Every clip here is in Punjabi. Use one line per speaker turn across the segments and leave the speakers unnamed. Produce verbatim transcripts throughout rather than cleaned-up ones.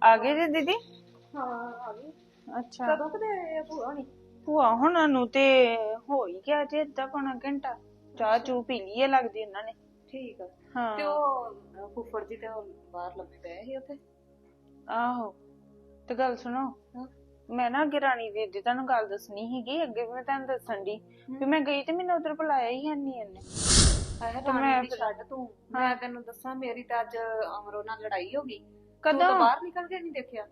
ਆ ਗਏ ਜੀ ਦੀਦੀ?
ਹਾਂ ਆ ਗਈ।
ਅੱਛਾ,
ਕਦੋਂ ਕਦੇ ਆਏ ਆ ਭੂਆ ਨਹੀਂ?
ਭੂਆ ਹੁਣਾਂ ਨੂੰ ਤੇ ਹੋ ਹੀ ਗਿਆ ਜੀ ਅੱਧਾ ਪੌਣਾ ਘੰਟਾ। ਚਾਹ ਚੂ ਪੀ ਲਈ ਹੈ ਲੱਗਦੀ ਇਹਨਾਂ ਨੇ।
ਠੀਕ ਆ।
ਹਾਂ
ਤੇ ਉਹ ਫੁੱਫੜ ਜੀ ਤੇ ਉਹ ਬਾਹਰ ਲੱਗੇ ਪਏ ਸੀ ਉੱਥੇ।
ਆਹੋ, ਤੇ ਗੱਲ ਸੁਣੋ,
ਹਾਂ
ਮੈਂ ਨਾ ਅੱਗੇ ਰਾਣੀ ਦੀਦੀ ਤੁਹਾਨੂੰ ਗੱਲ ਦੱਸਣੀ ਸੀਗੀ, ਅੱਗੇ ਵੀ ਮੈਂ ਤੁਹਾਨੂੰ ਦੱਸਣ ਦੀ ਵੀ ਮੈਂ ਗਈ ਤੇ ਮੈਨੂੰ ਉਧਰ ਬੁਲਾਇਆ ਹੀ ਹੈ ਨਹੀਂ ਇਹਨੇ।
ਆਹ
ਤੇ
ਰਾਣੀ
ਮੈਂ
ਦੀ
ਫਿਰ
ਛੱਡ ਤੂੰ, ਮੈਂ ਤੈਨੂੰ ਦੱਸਾਂ ਮੇਰੀ ਤਾਂ ਅੱਜ ਅਮਰੋ ਨਾਲ ਲੜਾਈ ਹੋ ਗਈ। ਤੂੰ
ਕਦੋਂ?
ਤਾਂ ਬਾਹਰ ਨਿਕਲ ਕੇ ਨਹੀਂ ਦੇਖਿਆ।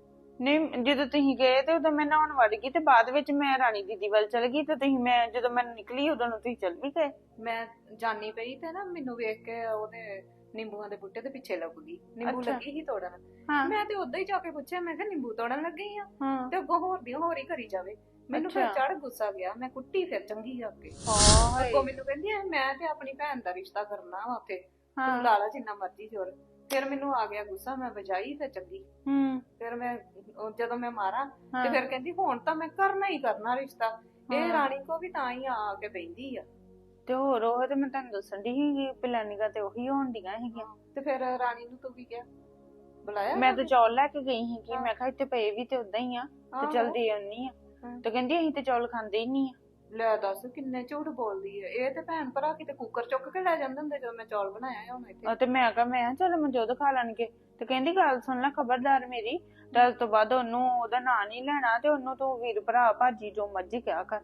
ਨਹੀਂ, ਜਦੋਂ ਤੁਸੀਂ ਗਏ ਤੇ ਉਦੋਂ ਮੈਂ ਨਹਾਉਣ ਵੜ ਗਈ ਤੇ ਬਾਅਦ ਵਿੱਚ ਮੈਂ ਰਾਣੀ ਦੀਦੀ ਵੱਲ ਚਲ ਗਈ ਤੇ ਤੁਸੀਂ ਮੈਂ ਜਦੋਂ ਮੈਂ ਨਿਕਲੀ ਉਦੋਂ ਨੂੰ ਤੁਸੀਂ ਚਲ ਵੀ ਗਏ।
ਮੈਂ ਜਾਨੀ ਪਈ ਤੇ ਨਾ ਮੈਨੂੰ ਵੇਖ ਕੇ ਉਹਦੇ ਨਿੰਬੂਆਂ ਦੇ ਬੂਟੇ ਦੇ ਪਿੱਛੇ ਲੱਗ ਗਈ। ਨਿੰਬੂ
ਅੱਛਾ।
ਲੱਗੀ ਸੀ ਤੋੜਨ।
ਹਾਂ
ਮੈਂ ਤੇ ਉਦਾਂ ਹੀ ਜਾ ਕੇ ਪੁੱਛਿਆ, ਮੈਂ ਕਿਹਾ ਨਿੰਬੂ ਤੋੜਨ ਲੱਗੀ ਆ
ਹਾਂ
ਤੇ ਅੱਗੋਂ ਹੋਰ ਦੀ ਹੋਰ ਹੀ ਕਰੀ ਜਾਵੇ। ਮੈਨੂੰ ਫਿਰ
ਅੱਛਾ।
ਚੜ ਗੁੱਸਾ ਗਿਆ, ਮੈਂ ਕੁੱਟੀ ਫਿਰ ਚੰਗੀ ਆ ਕੇ।
ਹਾਏ।
ਅੱਗੋਂ ਮੈਨੂੰ ਕਹਿੰਦੀ ਆ, ਮੈਂ ਤੇ ਆਪਣੀ ਭੈਣ ਦਾ ਰਿਸ਼ਤਾ ਕਰਨਾ ਵਾ ਉੱਥੇ, ਤੂੰ
ਹਾਂ।
ਲਾ ਲਾ ਜਿੰਨਾ ਮਰਜ਼ੀ ਜ਼ੋਰ। ਫਿਰ ਮੈਨੂੰ ਆ ਗਿਆ ਗੁੱਸਾ, ਮੈਂ ਵਜਾਈ ਫਿਰ ਚੰਗੀ।
ਹੂੰ।
ਫਿਰ ਮੈਂ ਉਹ ਜਦੋਂ ਮੈਂ ਮਾਰਾਂ ਤੇ
ਹਾਂ।
ਫਿਰ ਕਹਿੰਦੀ ਹੁਣ ਤਾਂ ਮੈਂ ਕਰਨਾ ਹੀ ਕਰਨਾ ਰਿਸ਼ਤਾ। ਇਹ
ਹਾਂ।
ਰਾਣੀ ਕੋ ਵੀ ਤਾਂ ਹੀ ਆ ਕੇ ਬਹਿੰਦੀ ਆ।
ਤੇ ਹੋਰ ਉਹ ਤੇ ਮੈਂ ਤੁਹਾਨੂੰ ਦੱਸਣ ਦੀ ਸੀਗੀ ਪਲਾਨਿੰਗਾਂ ਤੇ ਉਹੀ ਹੋਣ ਡੀਆਂ ਸੀਗੀਆਂ।
ਤੇ ਫਿਰ ਰਾਣੀ ਨੂੰ ਤੂੰ ਕੀ ਕਿਹਾ? ਬੁਲਾਇਆ
ਮੈਂ
ਜਾ
ਤਾਂ
ਕੇ?
ਚੌਲ ਲੈ ਕੇ ਗਈ ਸੀਗੀ,
ਹਾਂ।
ਮੈਂ ਕਿਹਾ ਇੱਥੇ ਪਏ ਵੀ ਤੇ ਉਦਾਂ ਹੀ ਆ ਤੇ
ਆਹੋ।
ਚੱਲ ਦੇ ਆਉਣੀ ਆ।
ਹਾਂ।
ਤੇ ਕਹਿੰਦੀ ਅਸੀਂ ਤੇ ਚੌਲ ਖਾਂਦੇ ਹੀ ਨਹੀਂ ਆ।
ਲੈ ਦੱਸ ਕਿੰਨੇ ਝੂਠ ਬੋਲਦੀ ਹੈ ਇਹ। ਤੇ ਭੈਣ ਭਰਾ ਕਿਤੇ ਕੁੱਕਰ ਚੁੱਕ ਕੇ ਲੈ ਜਾਂਦੇ ਹੁੰਦੇ ਜਦੋਂ ਮੈਂ ਚੌਲ ਬਣਾਇਆ ਹੁਣ ਇੱਥੇ।
ਉਹ ਤੇ ਮੈਂ ਕਿਹਾ ਮੈਂ ਕਿਹਾ ਚੱਲ ਮਨਜੋਤ ਖਾ ਲੈਣਗੇ। ਤੇ ਕਹਿੰਦੀ ਗੱਲ ਸੁਣ ਲੈ ਖਬਰਦਾਰ ਮੇਰੀ, ਤੇ ਅੱਜ ਤੋਂ ਬਾਅਦ ਉਹਨੂੰ ਉਹਦਾ ਨਾਂ ਨਹੀਂ ਲੈਣਾ ਤੇ ਉਹਨੂੰ ਤੂੰ ਵੀਰ ਭਰਾ ਭਾਜੀ ਜੋ ਮਰਜ਼ੀ ਕਿਹਾ ਕਰ।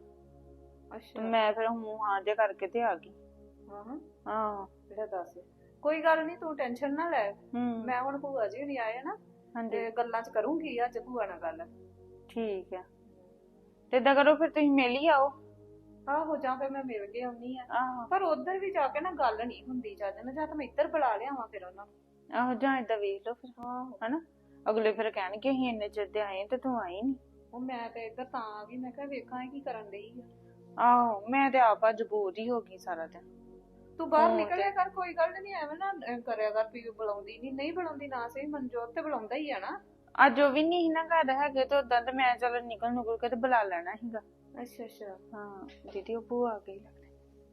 ਤੇ
ਅੱਛਾ।
ਮੈਂ ਫਿਰ ਹੂੰ ਹਾਂ ਜੇ ਕਰਕੇ ਤੇ ਆ ਗਈ।
ਹਾਂ ਹਾਂ
ਹਾਂ।
ਲੈ ਦੱਸ। ਕੋਈ ਗੱਲ ਨਹੀਂ, ਤੂੰ ਟੈਨਸ਼ਨ ਨਾ ਲੈ।
ਹੂੰ।
ਮੈਂ ਹੁਣ ਭੂਆ ਜੀ ਨਹੀਂ ਆਏ ਨਾ
ਹਾਂਜੀ
ਤੇ ਗੱਲਾਂ ਚ ਕਰੂੰਗੀ ਅੱਜ ਭੂਆ ਨਾਲ ਗੱਲ।
ਠੀਕ ਆ। ਤੇ ਏਦਾਂ ਕਰੋ ਫਿਰ ਤੁਸੀਂ ਮਿਲ ਹੀ ਆਓ।
ਆਹੋ ਜਾਂ ਫਿਰ ਮੈਂ ਮਿਲ ਕੇ ਆਉਣੀ ਆ।
ਆਹੋ
ਪਰ ਉਧਰ ਵੀ ਜਾ ਕੇ ਨਾ ਗੱਲ ਨਹੀਂ ਹੁੰਦੀ ਚੱਜ ਨਾਲ, ਜਾਂ ਤਾਂ ਮੈਂ ਇੱਧਰ ਬੁਲਾ ਲਿਆਵਾਂ ਫਿਰ ਉਹਨਾਂ ਨੂੰ।
ਆਹੋ, ਜਾਂ ਏਦਾਂ ਵੇਖ ਲਓ ਫਿਰ
ਆਹੋ।
ਹਨਾ। ਅਗਲੇ ਫਿਰ ਕਹਿਣਗੇ ਅਸੀਂ ਇੰਨੇ ਚਿਰ ਦੇ ਆਏ ਤੇ ਤੂੰ ਆਈ ਨੀ।
ਉਹ ਮੈਂ ਤੇ ਇੱਧਰ ਤਾਂ ਆ ਗਈ, ਮੈਂ ਕਿਹਾ ਵੇਖਾਂ ਇਹ ਕੀ ਕਰਨ ਡਈ ਆ।
ਆਹੋ, ਮੈਂ ਤੇ ਆਪ ਅੱਜ ਬੋਰ ਹੀ ਹੋ ਗਈ ਸਾਰਾ ਦਿਨ।
ਤੂੰ ਬਾਹਰ
ਹਾਂ
ਨਿਕਲਿਆ ਕਰ, ਕੋਈ ਗੱਲ ਨਹੀਂ, ਐਵੇਂ ਨਾ ਅਹ ਕਰਿਆ ਕਰ ਵੀ ਬੁਲਾਉਂਦੀ ਨਹੀਂ। ਨਹੀਂ ਬੁਲਾਉਂਦੀ ਨਾ ਸਹੀ, ਮਨਜੋਤ ਤੇ ਬੁਲਾਉਂਦਾ ਹੀ ਆ ਨਾ।
ਅੱਜ ਉਹ ਵੀ ਨਹੀਂ ਸੀ ਨਾ ਘਰ ਹੈਗੇ ਤੇ ਉਦਾਂ ਤੇ ਮੈਂ ਚਲ ਨਿਕਲ ਨੁਕਲ ਕੇ ਤੇ ਬੁਲਾ ਲੈਣਾ ਸੀਗਾ।
ਅੱਛਾ ਅੱਛਾ।
ਹਾਂ ਦੀਦੀ ਉਹ ਭੂਆ ਆ ਗਈ ਲੱਗਦਾ।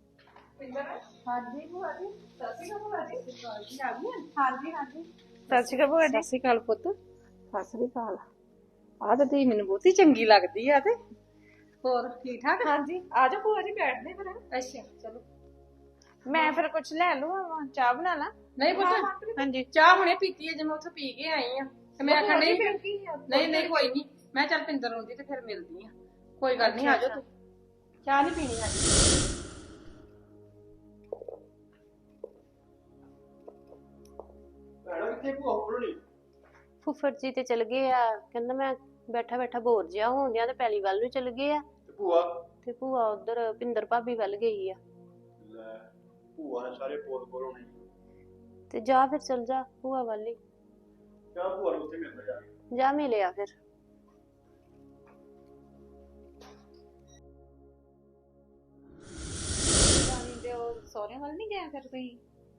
ਹਾਂਜੀ ਭੂਆ ਜੀ, ਸਤਿ ਸ਼੍ਰੀ ਅਕਾਲ ਭੂਆ ਜੀ। ਆ ਗਈ? ਹਾਂਜੀ ਹਾਂਜੀ।
ਸਤਿ ਸ਼੍ਰੀ ਅਕਾਲ ਭੂਆ ਜੀ।
ਸਤਿ ਸ਼੍ਰੀ ਅਕਾਲ ਪੁੱਤ। ਸਤਿ ਸ਼੍ਰੀ ਅਕਾਲ। ਆਹ ਤਾਂ ਤੀ ਮੈਨੂੰ ਬਹੁਤੀ ਚੰਗੀ ਲੱਗਦੀ ਆ। ਤੇ ਹੋਰ ਠੀਕ ਠਾਕ?
ਹਾਂਜੀ ਆ ਜਾਓ ਭੂਆ ਜੀ, ਬੈਠਦੇ ਫਿਰ।
ਅੱਛਾ ਚਲੋ।
ਮੈਂ ਫਿਰ ਕੁਛ ਲੈ ਲਵਾਂ, ਚਾਹ ਬਣਾ ਲਾ।
ਨਹੀਂ ਪੁੱਤ,
ਹਾਂਜੀ
ਚਾਹ ਹੁਣੇ ਪੀਤੀ ਹੈ ਜੇ ਮੈਂ ਉੱਥੋਂ ਪੀ ਕੇ ਆਈ ਆ। ਤੇ ਮੈਂ ਆਖਣ ਡਈ
ਫਿਰ ਕੀ ਆ?
ਨਹੀਂ ਨਹੀਂ ਕੋਈ ਨਹੀਂ, ਮੈਂ ਚੱਲ ਪਿੰਦਰ ਆਉਂਦੀ ਤੇ ਫਿਰ ਮਿਲਦੀ ਆ। ਕੋਈ ਗੱਲ ਨਹੀਂ, ਆ ਜਾਓ ਤੂੰ। ਚਾਹ ਨਹੀਂ ਪੀਣੀ ਅੱਜ।
ਫੁੱਫੜ ਜੀ ਤੇ ਚਲ ਗਏ ਆ, ਕਹਿੰਦਾ ਮੈਂ ਬੈਠਾ ਬੈਠਾ ਬੋਰ ਜਿਹਾ ਹੋਣ ਡਿਆ ਤੇ ਪੈਲੀ ਵੱਲ ਨੂੰ ਚਲ ਗਏ ਆ।
ਤੇ ਭੂਆ
ਤੇ ਭੂਆ ਉਧਰ ਪਿੰਦਰ ਭਾਬੀ ਵੱਲ ਗਈ ਆ।
ਲੈ ਭੂਆ ਨੇ ਸਾਰੇ ਪੋਲ ਪੋਲ ਹੋਣੇ।
ਤੇ ਜਾ ਫਿਰ ਚਲ ਜਾ ਭੂਆ ਵੱਲ ਹੀ।
ਕਿਆ ਭੂਆ ਨੂੰ ਉੱਥੇ ਮਿਲਦਾ ਜਾ ਕੇ।
ਜਾ ਮਿਲਿਆ ਫਿਰ।
ਰਾਣੀ ਦੇ ਉਹ ਸਹੁਰਿਆਂ ਵੱਲ ਨਹੀਂ ਗਏ ਫਿਰ ਤੁਸੀਂ?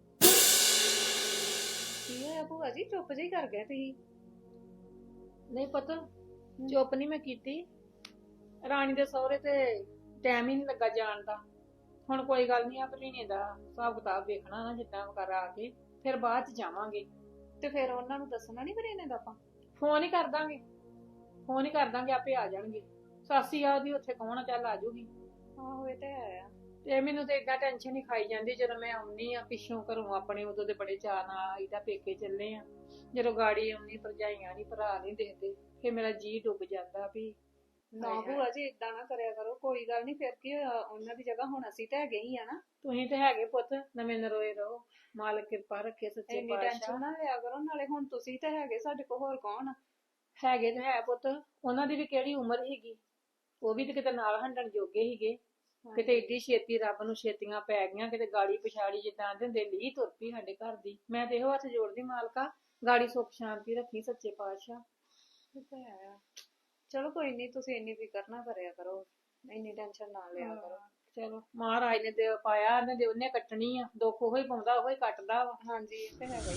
ਕੀ ਹੋਇਆ ਭੂਆ ਜੀ, ਚੁੱਪ ਜਿਹੀ ਕਰ ਗਏ ਤੁਸੀਂ?
ਨਹੀਂ ਪੁੱਤ, ਚੁੱਪ ਨਹੀਂ ਮੈਂ ਕੀਤੀ। ਰਾਣੀ ਦੇ ਸਹੁਰੇ ਤੇ ਟਾਈਮ ਹੀ ਨਹੀਂ ਲੱਗਾ ਜਾਣ ਦਾ। ਹੁਣ ਕੋਈ ਗੱਲ ਨਹੀਂ, ਆ ਭਰੀਨੇ ਦਾ ਹਿਸਾਬ ਕਿਤਾਬ ਵੇਖਣਾ ਨਾ ਜਿੱਦਾਂ ਕਰ ਆ ਕੇ, ਫਿਰ ਬਾਅਦ ਚ ਜਾਵਾਂਗੇ।
ਤੇ ਫਿਰ ਉਹਨਾਂ ਨੂੰ ਦੱਸਣਾ ਨਹੀਂ ਫਿਰ ਇਹਨੇ ਦਾ ਆਪਾਂ?
ਫੋਨ ਹੀ ਕਰ ਦਾਂਗੇ, ਫੋਨ ਹੀ ਕਰ ਦਾਂਗੇ, ਆਪੇ ਆ ਜਾਣਗੇ। ਸਾਸੀ ਆ ਉਹਦੀ ਉੱਥੇ ਕੌਣ ਆ, ਚੱਲ ਆ ਜਾਊਗੀ।
ਆਹੋ ਇਹ ਤੇ ਹੈ ਆ।
ਤੇ ਮੈਨੂੰ ਤੇ ਏਦਾਂ ਟੈਨਸ਼ਨ ਨਹੀਂ ਖਾਈ ਜਾਂਦੀ ਜਦੋਂ ਮੈਂ ਆਉਣੀ ਆ ਪਿੱਛੋਂ ਘਰੋਂ ਆਪਣੇ, ਉਦੋਂ ਦੇ ਬੜੇ ਚਾਅ ਨਾਲ ਆਈਦਾ ਪੇਕੇ ਚੱਲੇ ਆ। ਜਦੋਂ ਗਾੜੀ ਆਉਣੀ ਭਰਜਾਈਆਂ ਨਹੀਂ, ਭਰਾ ਨਹੀਂ ਦੇਖਦੇ, ਫਿਰ ਮੇਰਾ ਜੀਅ ਡੁੱਬ ਜਾਂਦਾ ਵੀ
ਨਾ ਭੂਆ ਜੀ ਇਦਾਂ ਨਾ ਕਰਿਆ ਕਰੋ। ਕੋਈ ਗੱਲ ਨਹੀਂ, ਫਿਰ ਕੀ ਹੋਇਆ, ਉਹਨਾਂ ਦੀ ਜਗ੍ਹਾ ਹੁਣ ਅਸੀਂ ਤਾਂ ਹੈਗੇ ਹੀ ਆ ਨਾ।
ਤੁਸੀਂ ਤੇ ਹੈਗੇ ਪੁੱਤ, ਨਵੇਂ ਨਰੋਏ ਰਹੋ, ਮਾਲਕ ਕਿਰਪਾ ਰੱਖੇ ਸੱਚੇ
ਇੰਨੀ
ਪਾਤਸ਼ਾਹ।
ਟੈਨਸ਼ਨ ਨਾ ਲਿਆ ਕਰੋ, ਨਾਲੇ ਹੁਣ ਤੁਸੀਂ ਤਾਂ ਹੈਗੇ ਸਾਡੇ ਕੋਲ, ਹੋਰ ਕੌਣ ਆ?
ਹੈਗੇ ਤੇ ਹੈ ਪੁੱਤ, ਉਹਨਾਂ ਦੀ ਵੀ ਕਿਹੜੀ ਉਮਰ ਸੀਗੀ, ਉਹ ਵੀ ਤੇ ਕਿਤੇ ਨਾਲ ਹੰਡਣ ਜੋਗੇ ਸੀਗੇ। ਕਿਤੇ ਏਡੀ ਛੇਤੀ ਰੱਬ ਨੂੰ ਛੇਤੀਆਂ ਪੈ ਗਈਆਂ, ਕਿਤੇ ਗਾੜੀ ਪਛਾੜੀ ਜਿੱਦਾਂ ਦਿੰਦੇ ਲੀ ਤੁਰ ਪਈ ਸਾਡੇ ਘਰ ਦੀ। ਮੈਂ ਤੇ ਇਹੋ ਹੱਥ ਜੋੜਦੀ, ਮਾਲਕਾ ਗਾੜੀ ਸੁੱਖ ਸ਼ਾਂਤੀ ਰੱਖੀ ਸੱਚੇ ਪਾਤਸ਼ਾਹ।
ਇਹ ਤਾਂ ਹੈ ਆ। ਚਲੋ ਕੋਈ ਨਹੀਂ, ਤੁਸੀਂ ਇੰਨੀ ਫਿਕਰ ਨਾ ਕਰਿਆ ਕਰੋ, ਇੰਨੀ ਟੈਨਸ਼ਨ ਨਾ ਲਿਆ ਕਰੋ।
ਚਲੋ ਮਹਾਰਾਜ ਨੇ ਦੇ ਪਾਇਆ, ਇਹਨੇ ਦੇ ਉਹਨੇ ਕੱਟਣੀ ਆ। ਦੁੱਖ ਉਹੀ ਪਾਉਂਦਾ ਉਹੀ ਕੱਟਦਾ ਵਾ।
ਹਾਂਜੀ ਇਹ ਤੇ ਹੈਗਾ ਹੀ।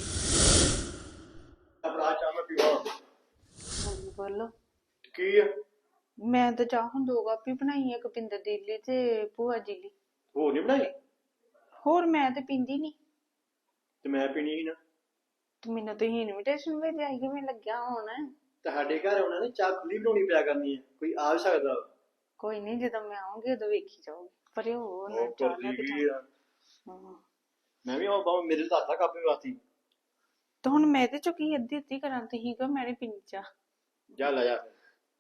ਆਪਣਾ ਚਾਹ ਮੈਂ ਪੀਵਾ।
ਹਾਂਜੀ ਬੋਲੋ।
ਕੀ ਆ?
ਮੈਂ ਤਾਂ ਚਾਹ ਹੁਣ ਦੋ ਕਾਪੀ ਬਣਾਈ, ਇੱਕ ਪਿੰਦਰ ਦੀ ਲਈ ਤੇ ਭੂਆ ਜੀ ਲਈ।
ਹੋਰ ਨਹੀਂ ਬਣਾਈ?
ਹੋਰ ਮੈਂ ਤੇ ਪੀਂਦੀ ਨਹੀਂ।
ਤੇ ਮੈਂ ਪੀਣੀ ਸੀ ਨਾ।
ਤੇ ਮੈਨੂੰ ਤੁਸੀਂ ਇਨਵੀਟੇਸ਼ਨ ਭੇਜਿਆ ਸੀ, ਕਿਵੇਂ ਲੱਗਿਆ ਹੁਣ?
ਤੁਹਾਡੇ ਘਰ ਉਹਨਾਂ ਨੇ ਚਾਹ ਖੁੱਲੀ ਬਣਾਉਣੀ ਪਿਆ ਕਰਨੀ ਹੈ, ਕੋਈ ਆ ਵੀ ਸਕਦਾ ਵਾ।
ਕੋਈ ਨਹੀਂ, ਜਦੋਂ ਮੈਂ ਆਉਂਗੀ ਉਦੋਂ ਵੇਖੀ ਜਾਊਗੀ। ਪਰ ਇਹ ਹੋ ਨਾ
ਉਹ
ਚਾਹ
ਭੁੱਲ
ਲੈ ਕੇ
ਗਈ
ਜਾ।
ਆ।
ਹਾਂ।
ਮੈਂ ਵੀ ਆਵਾਂ ਬਾਬਾ ਮੇਰੇ ਤੋਂ ਹੱਥਾਂ ਕਾਪੀ ਵਾਤੀ।
ਤੇ ਹੁਣ ਮੈਂ ਤੇ ਚੁੱਕੀ ਅੱਧੀ ਅੱਧੀ ਕਰਾਂ, ਤੁਸੀਂ ਕਹੋ ਮੈਂ ਨੀ ਪੀਣੀ ਚਾਹ।
ਜਾ ਲੈ ਜਾ।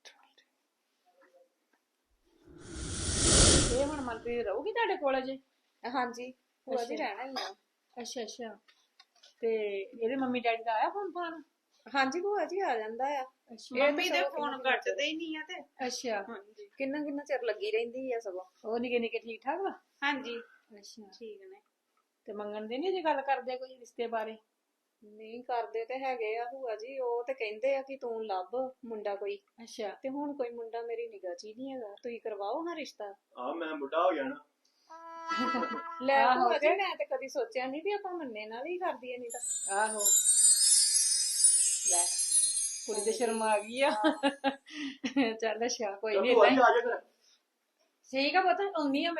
ਇਹ ਹੁਣ ਮਨਪ੍ਰੀਤ ਰਹੂਗੀ ਤੁਹਾਡੇ ਕੋਲ ਅਜੇ?
ਹਾਂਜੀ ਭੂਆ ਜੀ ਰਹਿਣਾ ਹੀ ਆ।
ਅੱਛਾ ਅੱਛਾ। ਤੇ ਇਹਦੇ ਮੰਮੀ ਡੈਡੀ ਦਾ ਆਇਆ ਫੋਨ ਫਾਨ?
ਹਾਂਜੀ ਭੂਆ ਜੀ ਆ ਜਾਂਦਾ ਆ।
ਮੰਮੀ ਦੇ ਫੋਨ ਕੱਟਦੇ ਹੀ ਨਹੀਂ ਆ ਤੇ।
ਅੱਛਾ।
ਹਾਂਜੀ
ਕਿੰਨਾ ਕਿੰਨਾ ਚਿਰ ਲੱਗੀ ਰਹਿੰਦੀ ਆ ਸਗੋਂ।
ਉਹ ਨਿੱਕੇ ਨਿੱਕੇ ਠੀਕ ਠਾਕ ਵਾ?
ਹਾਂਜੀ
ਅੱਛਾ।
ਠੀਕ ਨੇ।
ਤੇ ਮੰਗਣ ਦੇ ਨੀ ਜੇ ਗੱਲ ਕਰਦੇ ਕੋਈ ਰਿਸ਼ਤੇ ਬਾਰੇ?
ਨਹੀਂ ਕਰਦੇ ਤੇ ਹੈਗੇ ਆ ਭੂਆ ਜੀ, ਉਹ ਤੇ ਕਹਿੰਦੇ ਆ ਕਿ ਤੂੰ ਲੱਭ ਮੁੰਡਾ ਕੋਈ।
ਅੱਛਾ।
ਤੇ ਹੁਣ ਕੋਈ ਮੁੰਡਾ ਮੇਰੀ ਨਿਗਾਹ 'ਚ ਹੀ ਨਹੀਂ ਹੈਗਾ, ਤੁਸੀਂ ਕਰਵਾਓ ਹਾਂ ਰਿਸ਼ਤਾ।
ਆ ਮੈਂ ਬੁੱਢਾ ਹੋ ਗਿਆ ਨਾ।
ਲੈ
ਆਹੋ
ਭੂਆ ਜੀ
ਤੇ-
ਮੈਂ ਤੇ ਕਦੀ ਸੋਚਿਆ ਨਹੀਂ ਵੀ ਆਪਾਂ ਮੰਨੇ ਨਾਲ ਹੀ ਕਰ ਦਈਏ, ਨਹੀਂ ਤਾਂ।
ਆਹੋ ਲੈ ਕੁੜੀ ਤੇ ਸ਼ਰਮ ਆ ਗਈ ਆ। ਚੱਲ ਅੱਛਾ ਕੋਈ
ਚੱਲ
ਨਹੀਂ
ਭੂਆ ਜੀ
ਏਦਾਂ
ਆ ਜਾ ਫਿਰ।
ਠੀਕ ਆ ਪਤਾ ਆਉਣੀ ਆ ਮੈਂ।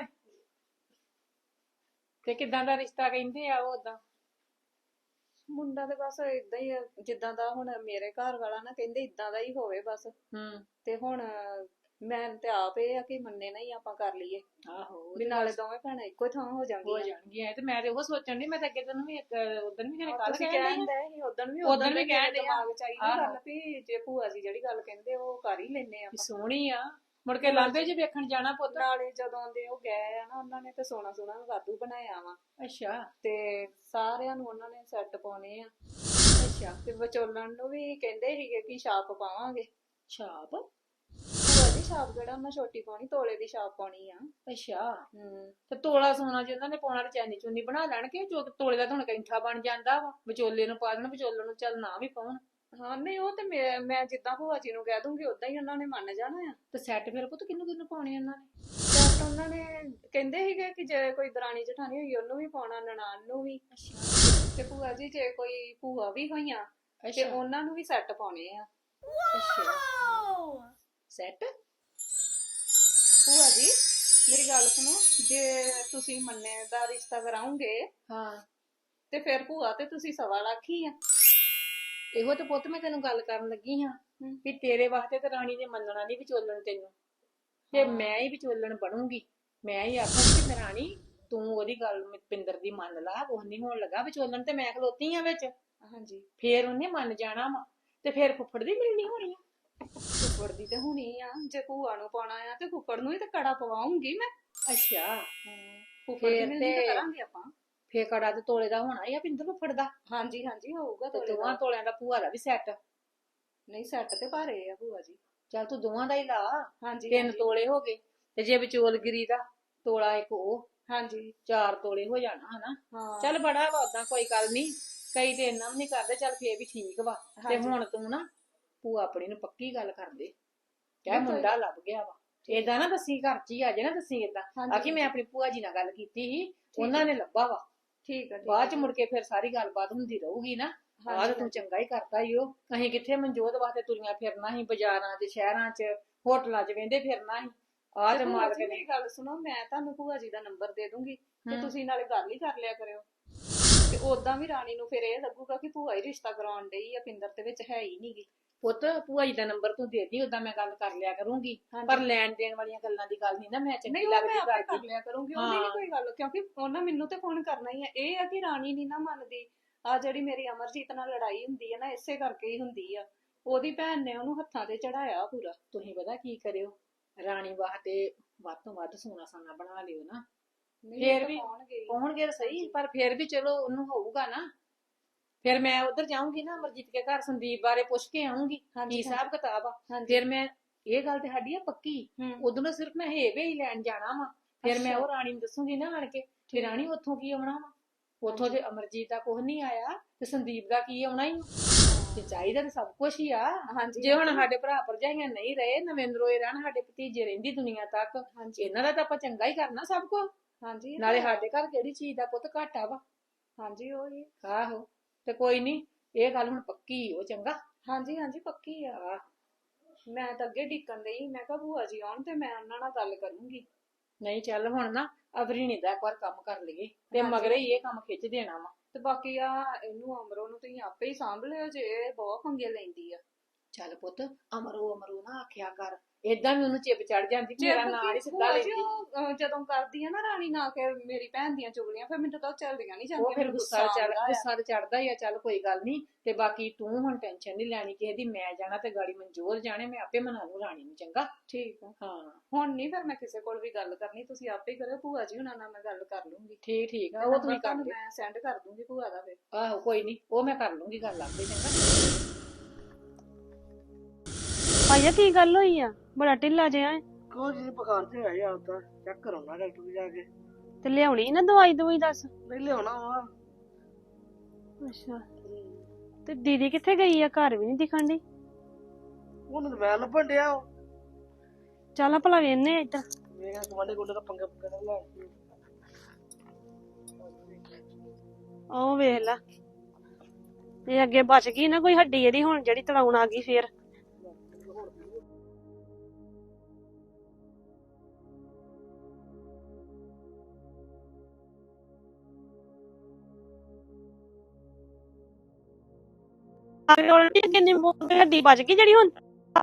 ਤੇ ਕਿਦਾਂ ਦਾ ਰਿਸ਼ਤਾ ਕਹਿੰਦੇ ਆ ਉਹ ਓਦਾਂ?
ਮੁੰਡਾ ਤੇ ਬਸ ਇਦਾਂ ਹੀ ਆ, ਜਿੱਦਾਂ ਦਾ ਹੁਣ ਮੇਰੇ ਘਰ ਵਾਲਾ ਨਾ ਕਹਿੰਦੇ ਇਦਾਂ ਦਾ ਹੀ ਹੋਵੇ ਬਸ।
ਹੂੰ।
ਤੇ ਹੁਣ ਮੈਂ ਤੇ ਆਪ ਇਹ ਆ ਕਿ ਮੰਨੇ ਨਾ ਹੀ ਆਪਾਂ ਕਰ ਲਈਏ,
ਆਹੋ ਉਹ
ਵੀ
ਤੇ
ਨਾਲੇ ਦੋਵੇਂ ਭੈਣਾਂ ਇੱਕੋ ਥਾਂ ਹੋ
ਹੋ
ਜਾਂਦੀਆਂ।
ਜਾਣਗੀਆਂ। ਤੇ ਮੈਂ ਤੇ ਉਹ ਸੋਚਣ ਦੀ, ਮੈਂ ਤਾਂ ਅੱਗੇ ਤੈਨੂੰ ਵੀ ਉਦੋਂ ਵੀ ਘਰੇ ਕੱਲ
ਤੁਸੀਂ
ਕਹਿਣ
ਕਹਿੰਦੇ ਸੀ ਉਦੋਂ ਵੀ
ਉਦਣ ਵੀ
ਵੀ
ਕਹਿਣ ਡਏ ਆ।
ਦਿਮਾਗ ਚ ਆਈ ਨਾ
ਆਹੋ।
ਗੱਲ ਵੀ ਜੇ ਭੂਆ ਜੀ ਜਿਹੜੀ ਗੱਲ ਕਹਿੰਦੇ ਉਹ ਕਰ ਹੀ ਲੈਨੇ
ਵੀ
ਆਪਾਂ।
ਸੋਹਣੀ ਆ, ਮੁੜ ਕੇ ਲਾਂਬੇ ਜੇ ਵੇਖਣ ਜਾਣਾ ਪੁੱਤ।
ਨਾਲੇ ਜਦੋਂ ਦੇ ਉਹ ਗਏ ਆ ਨਾ, ਉਹਨਾਂ ਨੇ ਤੇ ਸੋਨਾ ਸੋਨਾ ਵਾਧੂ ਬਣਾਇਆ ਵਾ,
ਅੱਛਾ
ਤੇ ਸਾਰਿਆਂ ਨੂੰ ਉਹਨਾਂ ਨੇ ਸੈੱਟ ਪਾਉਣੇ ਆ।
ਅੱਛਾ।
ਤੇ ਵਿਚੋਲਣ ਨੂੰ ਵੀ ਕਹਿੰਦੇ ਸੀਗੇ ਕਿ ਛਾਪ ਪਾਵਾਂਗੇ।
ਛਾਪ?
ਭੂਆ ਜੀ ਛਾਪ ਕਿਹੜਾ ਉਹਨਾਂ ਛੋਟੀ ਪਾਉਣੀ, ਤੋਲੇ ਦੀ ਛਾਪ ਪਾਉਣੀ ਆ।
ਅੱਛਾ।
ਹੂੰ।
ਤੇ ਤੋਲਾ ਸੋਨਾ ਜੇ ਉਹਨਾਂ ਨੇ ਪਾਉਣਾ ਤੇ ਚੈਨੀ ਚੁੰਨੀ ਬਣਾ ਲੈਣਗੇ, ਜੋ ਤੋਲੇ ਦਾ ਤਾਂ ਹੁਣ ਕੈਂਠਾ ਬਣ ਜਾਂਦਾ ਵਾ। ਵਿਚੋਲੇ ਨੂੰ ਪਾ ਦੇਣ, ਵਿਚੋਲੇ ਨੂੰ ਚੱਲ ਨਾ ਵੀ ਪਾਉਣ।
ਹਾਂ ਨਹੀਂ ਉਹ ਤੇ ਮੈਂ ਮੈਂ ਜਿੱਦਾਂ ਭੂਆ ਜੀ ਨੂੰ ਕਹਿ ਦੂੰਗੀ ਉਦਾਂ ਹੀ ਉਹਨਾਂ ਨੇ ਮੰਨ ਜਾਣਾ ਆ।
ਤੇ ਸੈੱਟ ਫਿਰ ਪੁੱਤ ਕਿਹਨੂੰ ਕਿਹਨੂੰ ਪਾਉਣੇ ਉਹਨਾਂ ਨੇ?
ਸੈੱਟ ਉਹਨਾਂ ਨੇ ਕਹਿੰਦੇ ਸੀਗੇ ਕਿ ਜੇ ਕੋਈ ਦਰਾਣੀ ਜਠਾਣੀ ਹੋਈ ਉਹਨੂੰ ਵੀ ਪਾਉਣਾ, ਨਨਾਣ ਨੂੰ ਵੀ। ਤੇ ਭੂਆ ਜੀ ਜੇ ਕੋਈ ਭੂਆ ਵੀ ਹੋਈਆਂ ਤੇ
ਅੱਛਾ
ਉਹਨਾਂ ਨੂੰ ਵੀ ਸੈੱਟ ਪਾਉਣੇ ਆ।
ਅੱਛਾ। ਸੈੱਟ?
ਭੂਆ ਜੀ ਮੇਰੀ ਗੱਲ ਸੁਣੋ, ਜੇ ਤੁਸੀਂ ਮੰਨੇ ਦਾ ਰਿਸ਼ਤਾ ਕਰਾਉਂਗੇ
ਹਾਂ।
ਤੇ ਫਿਰ ਭੂਆ ਤੇ ਤੁਸੀਂ ਸਵਾ ਲੱਖ ਹੀ ਆ।
ਇਹੋ ਤੇ ਪੁੱਤ ਮੈਂ ਤੈਨੂੰ ਗੱਲ ਕਰਨ ਲੱਗੀ ਹਾਂ ਵੀ ਤੇਰੇ ਵਾਸਤੇ ਤੇ ਰਾਣੀ ਨੇ ਮੰਨਣਾ ਨਹੀਂ ਵਿਚੋਲਣ ਤੈਨੂੰ, ਤੇ ਮੈਂ ਹੀ ਵਿਚੋਲਣ ਬਣੂੰਗੀ। ਮੈਂ ਹੀ ਆਖੂੰਗੀ ਕਿ ਮੈਂ ਰਾਣੀ ਤੂੰ ਉਹਦੀ ਗੱਲ ਪਿੰਦਰ ਦੀ ਮੰਨ ਲਾ, ਕੁਛ ਨਹੀਂ ਹੋਣ ਲੱਗਾ। ਵਿਚੋਲਣ ਤੇ ਮੈਂ ਖਲੋਤੀ ਆ ਵਿੱਚ।
ਹਾਂਜੀ।
ਫੇਰ ਉਹਨੇ ਮੰਨ ਜਾਣਾ ਵਾ, ਤੇ ਫੇਰ ਫੁੱਫੜ ਦੀ ਮਿਲਣੀ ਹੋਣੀ ਆ।
ਫੁੱਫੜ ਦੀ ਤੇ ਹੋਣੀ ਆ, ਜੇ ਭੂਆ ਨੂੰ ਪਾਉਣਾ ਆ ਤੇ ਫੁੱਫੜ ਨੂੰ ਹੀ ਤੇ ਕੜਾ ਪਵਾਉਂਗੀ ਮੈਂ।
ਅੱਛਾ।
ਫੁੱਫੜ ਦੀ
ਫੇਰ
ਮਿਲਣੀ ਤਾਂ
ਤੇ-
ਕਰਾਂਗੇ ਆਪਾਂ।
ਫੇਰ ਕੜਾ ਤੇ ਤੋਲੇ ਦਾ ਹੋਣਾ ਹੀ ਆ ਪਿੰਦਰ ਫੁੱਫੜ ਦਾ।
ਹਾਂਜੀ ਹਾਂਜੀ ਹੋਊਗਾ
ਤੇ
ਤੋਲੇ
ਦੋਵਾਂ
ਦਾ।
ਤੋਲਿਆਂ ਦਾ ਭੂਆ ਦਾ ਵੀ ਸੈੱਟ।
ਨਹੀਂ ਸੈੱਟ ਤੇ ਭਾਰੇ ਆ ਭੂਆ ਜੀ।
ਚੱਲ ਤੂੰ ਦੋਵਾਂ ਦਾ ਹੀ ਲਾ।
ਹਾਂਜੀ
ਤਿੰਨ
ਹਾਂਜੀ।
ਤੋਲੇ ਹੋ ਗਏ, ਤੇ ਜੇ ਵਿਚੋਲਗਿਰੀ ਦਾ ਤੋਲਾ ਇੱਕ ਉਹ,
ਹਾਂਜੀ
ਚਾਰ ਤੋਲੇ ਹੋ ਜਾਣਾ ਹਨਾ।
ਹਾਂ।
ਚੱਲ ਬੜਾ ਵਾ ਓਦਾਂ, ਕੋਈ ਗੱਲ ਨਹੀਂ। ਕਈ ਤੇ ਇੰਨਾ ਵੀ ਨਹੀਂ ਕਰਦੇ, ਚੱਲ ਫੇਰ ਵੀ ਠੀਕ ਵਾ। ਤੇ
ਹਾਂਜੀ।
ਹੁਣ ਤੂੰ ਨਾ ਭੂਆ ਆਪਣੀ ਨੂੰ ਪੱਕੀ ਗੱਲ ਕਰ ਦੇ, ਕਹਿ
ਨਹੀਂ ਕੋਈ-
ਮੁੰਡਾ ਲੱਭ ਗਿਆ ਵਾ। ਏਦਾਂ ਨਾ ਦੱਸੀ, ਘਰ ਚ ਹੀ ਆ ਜੇ ਨਾ ਦੱਸੀ ਏਦਾਂ।
ਹਾਂਜੀ,
ਆਖੀ ਮੈਂ
ਹਾਂਜੀ।
ਆਪਣੀ ਭੂਆ ਜੀ ਨਾਲ ਗੱਲ ਕੀਤੀ ਸੀ, ਉਹਨਾਂ ਨੇ ਲੱਭਾ ਵਾ।
ਠੀਕ ਆ ਠੀਕ ਆ।
ਬਾਅਦ ਚ ਮੁੜ ਕੇ ਫਿਰ ਸਾਰੀ ਗੱਲਬਾਤ ਹੁੰਦੀ ਰਹੂਗੀ ਨਾ। ਆਹ
ਹਾਂਜੀ,
ਤਾਂ ਤੂੰ ਚੰਗਾ ਹੀ ਕਰਦਾ ਈ ਉਹ। ਅਸੀਂ ਕਿੱਥੇ ਮਨਜੋਤ ਵਾਸਤੇ ਤੁਰੀਆਂ ਫਿਰਨਾ ਸੀ, ਬਾਜ਼ਾਰਾਂ 'ਚ, ਸ਼ਹਿਰਾਂ 'ਚ, ਹੋਟਲਾਂ 'ਚ ਵੇਂਦੇ ਫਿਰਨਾ ਸੀ। ਆਹ
ਤੇ
ਤੇ
ਭੂਆ
ਮਾਲਕ
ਜੀ
ਨੇ।
ਮੇਰੀ ਗੱਲ ਸੁਣੋ, ਮੈਂ ਤੁਹਾਨੂੰ ਭੂਆ ਜੀ ਦਾ ਨੰਬਰ ਦੇ ਦੂੰਗੀ ਤੇ
ਹਮ।
ਤੁਸੀਂ ਨਾਲੇ ਗੱਲ ਹੀ ਕਰ ਲਿਆ ਕਰਿਓ। ਤੇ ਉਦਾਂ ਵੀ ਰਾਣੀ ਨੂੰ ਫਿਰ ਇਹ ਲੱਗੂਗਾ ਕਿ ਭੂਆ ਹੀ ਰਿਸ਼ਤਾ ਕਰਾਉਣ ਡਈ ਆ, ਪਿੰਦਰ ਦੇ ਵਿੱਚ ਹੈ ਹੀ ਨਹੀਂਗੀ।
ਪੁੱਤ ਭੂਆ ਜੀ ਦਾ ਨੰਬਰ ਤੂੰ ਦੇ ਦੀ, ਉਦਾਂ ਮੈਂ ਗੱਲ ਕਰ ਲਿਆ ਕਰੂੰਗੀ।
ਹਾਂਜੀ।
ਪਰ ਲੈਣ ਦੇਣ ਵਾਲੀਆਂ ਗੱਲਾਂ ਦੀ ਗੱਲ ਨਹੀਂ ਨਾ ਮੈਂ ਚੰਗੀ
ਨਹੀਂ ਉਹ ਮੈਂ
ਲੱਗਦੀ
ਆਪੇ ਕਰ
ਕਰਦੀ।
ਲਿਆ ਕਰੂੰਗੀ, ਉਹਦੀ
ਹਾਂ।
ਨਹੀਂ ਕੋਈ ਗੱਲ, ਕਿਉਂਕਿ ਉਹਨਾਂ ਮੈਨੂੰ ਤੇ ਫੋਨ ਕਰਨਾ ਹੀ ਆ। ਇਹ ਆ ਕਿ ਰਾਣੀ ਨਹੀਂ ਨਾ ਮੰਨਦੀ। ਆ ਜਿਹੜੀ ਮੇਰੀ ਅਮਰਜੀਤ ਨਾਲ ਲੜਾਈ ਹੁੰਦੀ ਹੈ ਨਾ, ਇਸੇ ਕਰਕੇ ਹੀ ਹੁੰਦੀ ਆ। ਉਹਦੀ ਭੈਣ ਨੇ ਉਹਨੂੰ ਹੱਥਾਂ ਤੇ ਚੜਾਇਆ ਪੂਰਾ।
ਤੁਸੀਂ ਪਤਾ ਕੀ ਕਰਿਓ, ਰਾਣੀ ਵਾਸਤੇ ਵੱਧ ਤੋਂ ਵੱਧ ਸੋਨਾ ਸਾਨਾ ਬਣਾ ਲਿਓ ਨਾ।
ਨਹੀਂ
ਫੇਰ
ਤਾਂ
ਵੀ
ਪਾਉਣਗੇ ਹੀ।
ਪਾਉਣਗੇ ਤਾਂ ਸਹੀ, ਪਰ ਫੇਰ ਵੀ ਚਲੋ ਉਹਨੂੰ ਹੋਊਗਾ ਨਾ। ਫਿਰ ਮੈਂ ਉਧਰ ਜਾਊਂਗੀ ਨਾ ਅਮਰਜੀਤ ਕੇ ਘਰ, ਸੰਦੀਪ ਬਾਰੇ ਪੁੱਛ ਕੇ ਆਊਂਗੀ
ਹਾਂਜੀ,
ਕੀ ਹਿਸਾਬ ਕਿਤਾਬ ਆ।
ਹਾਂਜੀ।
ਫਿਰ ਮੈਂ ਇਹ ਗੱਲ ਤੇ ਸਾਡੀ ਆ ਪੱਕੀ,
ਹੂੰ।
ਉਦੋਂ ਸਿਰਫ ਮੈਂ ਹੇਵੇ ਹੀ ਲੈਣ ਜਾਣਾ ਵਾ। ਫਿਰ ਮੈਂ
ਅੱਛਾ।
ਉਹ ਰਾਣੀ ਨੂੰ ਦੱਸੂਗੀ ਨਾ ਆਣ ਕੇ, ਫਿਰ ਰਾਣੀ ਉੱਥੋਂ ਕੀ ਆਉਣਾ ਵਾ। ਉੱਥੋਂ ਤੇ ਅਮਰਜੀਤ ਦਾ ਕੁਝ ਨਹੀਂ ਆਇਆ, ਤੇ ਸੰਦੀਪ ਦਾ ਕੀ ਆਉਣਾ ਹੀ। ਤੇ ਚਾਹੀਦਾ ਤੇ ਸਭ ਕੁਝ ਹੀ ਆ।
ਹਾਂਜੀ
ਜੇ ਹੁਣ ਸਾਡੇ ਭਰਾ ਭਰਜਾਈਆਂ ਨਹੀਂ ਰਹੇ, ਨਵਿੰਦਰੋਏ ਰਹਿਣ, ਸਾਡੇ ਭਤੀਜੇ ਰਹਿੰਦੀ ਦੁਨੀਆ ਤੱਕ,
ਹਾਂਜੀ
ਇਹਨਾਂ ਦਾ ਤਾਂ ਆਪਾਂ ਚੰਗਾ ਹੀ ਕਰਨਾ ਸਭ ਕੁਝ।
ਹਾਂਜੀ ਇਹ
ਨਾਲੇ
ਤਾਂ ਹੈ।
ਸਾਡੇ ਘਰ ਕਿਹੜੀ ਚੀਜ਼ ਦਾ ਪੁੱਤ ਘਾਟਾ ਵਾ।
ਹਾਂਜੀ ਉਹ ਹੀ।
ਆਹੋ ਤੇ ਕੋਈ ਨਹੀਂ, ਇਹ ਗੱਲ ਹੁਣ ਪੱਕੀ ਉਹ ਚੰਗਾ।
ਹਾਂਜੀ ਹਾਂਜੀ ਪੱਕੀ ਆ।
ਆਹ,
ਮੈਂ ਤਾਂ ਅੱਗੇ ਢਿੱਕਣ ਡਈ, ਮੈਂ ਕਿਹਾ ਭੂਆ ਜੀ ਆਉਣ ਤੇ ਮੈਂ ਉਹਨਾਂ ਨਾਲ ਗੱਲ ਕਰੂੰਗੀ।
ਨਹੀਂ ਚੱਲ ਹੁਣ ਨਾ ਅਵਰੀਣੀ ਦਾ ਇੱਕ ਵਾਰ ਕੰਮ ਕਰ ਲਈਏ, ਤੇ
ਹਾਂਜੀ।
ਮਗਰੇ ਹੀ ਇਹ ਕੰਮ ਖਿੱਚ ਦੇਣਾ ਵਾ।
ਤੇ ਬਾਕੀ ਆ ਇਹਨੂੰ ਅਮਰੋ ਨੂੰ ਤੁਸੀਂ ਆਪੇ ਹੀ ਸਾਂਭ ਲਿਓ ਜੇ ਇਹ ਬਹੁਤ ਪੰਗੇ ਲੈਂਦੀ ਆ।
ਚੱਲ ਪੁੱਤ ਅਮਰੋ ਅਮਰੋ ਨਾ ਆਖਿਆ ਕਰ, ਏਦਾਂ ਵੀ ਉਹਨੂੰ ਚਿਪ ਚੜ ਜਾਂਦੀ ਕਿ ਮੇਰਾ ਨਾਂ ਹੀ ਸਿੱਧਾ
ਭੂਆ ਜੀ,
ਲੈਂਦੀ।
ਉਹ, ਅਹ, ਜਦੋਂ ਕਰਦੀ ਆ ਨਾ ਰਾਣੀ ਨਾ ਕੇ ਮੇਰੀ ਭੈਣ ਦੀਆਂ ਚੁਗਲੀਆਂ, ਫਿਰ ਮੈਨੂੰ ਤਾਂ ਉਹ ਚੱਲਦੀਆਂ ਨਹੀਂ
ਉਹ
ਜਾਂਦੀਆਂ,
ਫਿਰ
ਮੈਨੂੰ
ਗੁੱਸਾ ਚੜ
ਆਉਂਦਾ ਆ।
ਗੁੱਸਾ ਚੜਦਾ ਹੀ ਆ। ਚੱਲ ਕੋਈ ਗੱਲ ਨਹੀਂ, ਤੇ ਬਾਕੀ ਤੂੰ ਹੁਣ ਟੈਨਸ਼ਨ ਨਹੀਂ ਲੈਣੀ ਕਿਸੇ ਦੀ, ਮੈਂ ਜਾਣਾ ਤੇ ਗਾੜੀ ਮਨਜੋਰ ਜਾਣੇ, ਮੈਂ ਆਪੇ ਮਨਾ ਲੂ ਰਾਣੀ ਨੂੰ। ਚੰਗਾ
ਠੀਕ ਆ,
ਹਾਂ
ਹੁਣ ਨਹੀਂ ਫਿਰ ਮੈਂ ਕਿਸੇ ਕੋਲ ਵੀ ਗੱਲ ਕਰਨੀ, ਤੁਸੀਂ ਆਪੇ ਹੀ ਕਰਿਓ। ਭੂਆ ਜੀ ਹੁਣਾਂ ਨਾਲ ਮੈਂ ਗੱਲ ਕਰ ਲੂੰਗੀ,
ਠੀਕ ਠੀਕ ਆ,
ਤੇ
ਉਹ
number
ਤੁਸੀਂ ਕਰ
ਤੁਹਾਨੂੰ
ਲਿਓ।
ਮੈਂ ਸੈਂਡ ਕਰ ਦੂੰਗੀ ਭੂਆ ਦਾ। ਫਿਰ
ਆਹੋ ਕੋਈ ਨਹੀਂ, ਉਹ ਮੈਂ ਕਰ ਲੂੰਗੀ ਗੱਲ ਆਪੇ। ਚੰਗਾ
ਭਾਈਆ ਕੀ ਗੱਲ ਹੋਈ ਆ, ਬੜਾ ਢਿੱਲਾ ਜਿਹਾ ਹੈ
ਕੋਈ ਜੀ ਬੁਖਾਰ ਤੇ ਆਇਆ ਆਉਂਦਾ, ਚੈੱਕ ਕਰਾਉਣਾ ਡਾਕਟਰ ਨੂੰ ਜਾ ਕੇ।
ਤੇ ਲਿਆਉਣੀ ਨਾ ਦਵਾਈ ਦਵਾਈ ਦੱਸ।
ਨਹੀਂ ਲਿਆਉਣਾ ਵਾ।
ਅੱਛਾ ਤੇ ਦੀਦੀ ਕਿੱਥੇ ਗਈ ਆ, ਘਰ ਵੀ ਨਹੀਂ ਦਿਖਣ ਦੀ।
ਉਹਨੂੰ ਤਾਂ ਮੈਂ ਲੱਭਣ ਡਿਆ ਵਾ।
ਚੱਲ ਭਲਾ ਵੇਨੇ ਆ ਇੱਧਰ।
ਮੇਰਾ ਗਵਾਂਢੇ ਗੁੰਡੇ ਦਾ ਪੰਗਾ ਪੰਗਾ ਨਾ ਲੈ ਕੇ।
ਉਹ ਵੇਖ ਲਾ, ਇਹ ਅੱਗੇ ਬਚ ਗਈ ਨਾ ਕੋਈ ਹੱਡੀ ਇਹਦੀ, ਹੁਣ ਜਿਹੜੀ ਤੜਾਉਣ ਆ ਗਈ ਫੇਰ। ਕਿੰਨੀ ਹੱਡੀ ਬਚ ਗਈ ਜਿਹੜੀ ਹੁਣ।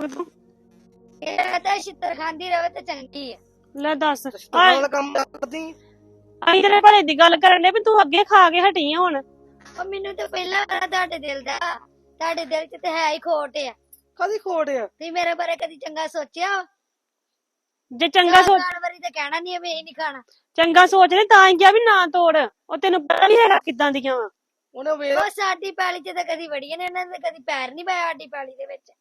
ਇਹ ਤਾਂ ਛਿੱਤਰ ਖਾਂਦੀ ਰਵੇ ਤੇ ਚੰਗੀ ਆ।
ਲੈ ਦੱਸ,
ਸਟਾਲ ਵਾਲਾ ਕੰਮ ਕਰਦੀ।
ਅਸੀਂ ਤੇਰੇ ਭਲੇ ਦੀ ਗੱਲ ਕਰਨ ਦੇ ਵੀ ਤੂੰ ਅੱਗੇ ਖਾ ਕੇ ਹਟੀ ਆ ਹੁਣ।
ਉਹ ਮੈਨੂੰ ਤਾਂ ਪਹਿਲਾਂ ਪਤਾ ਤੁਹਾਡੇ ਦਿਲ ਦਾ, ਤੁਹਾਡੇ ਦਿਲ 'ਚ ਤੇ ਹੈ ਹੀ ਖੋਟ ਆ।
ਕਾਦੀ ਖੋੜ ਆ?
ਤੁਸੀਂ ਮੇਰੇ ਬਾਰੇ ਕਦੀ ਚੰਗਾ ਸੋਚਿਆ?
ਜੇ ਚੰਗਾ ਸੋਚ
ਚਾਰ ਵਾਰੀ ਤਾਂ ਕਹਿਣਾ ਨਹੀਂ ਵੀ ਇਹ ਨਹੀਂ ਖਾਣਾ।
ਚੰਗਾ ਸੋਚਦੇ ਤਾਂ ਹੀ ਕਿਹਾ ਵੀ ਨਾ ਤੋੜ, ਉਹ ਤੈਨੂੰ ਪਤਾ ਨੀ ਹੈਗਾ ਕਿੱਦਾਂ ਦੀਆਂ ਵਾ।
ਉਹਨੇ ਵੇਖ
ਉਹ ਸਾਡੀ ਪੈਲੀ 'ਚ ਤਾਂ ਕਦੀ ਵੜੀਆਂ ਨੇ, ਉਹਨਾਂ ਨੇ ਕਦੀ ਪੈਰ ਨਹੀਂ ਪਾਇਆ ਸਾਡੀ ਪੈਲੀ ਦੇ ਵਿੱਚ।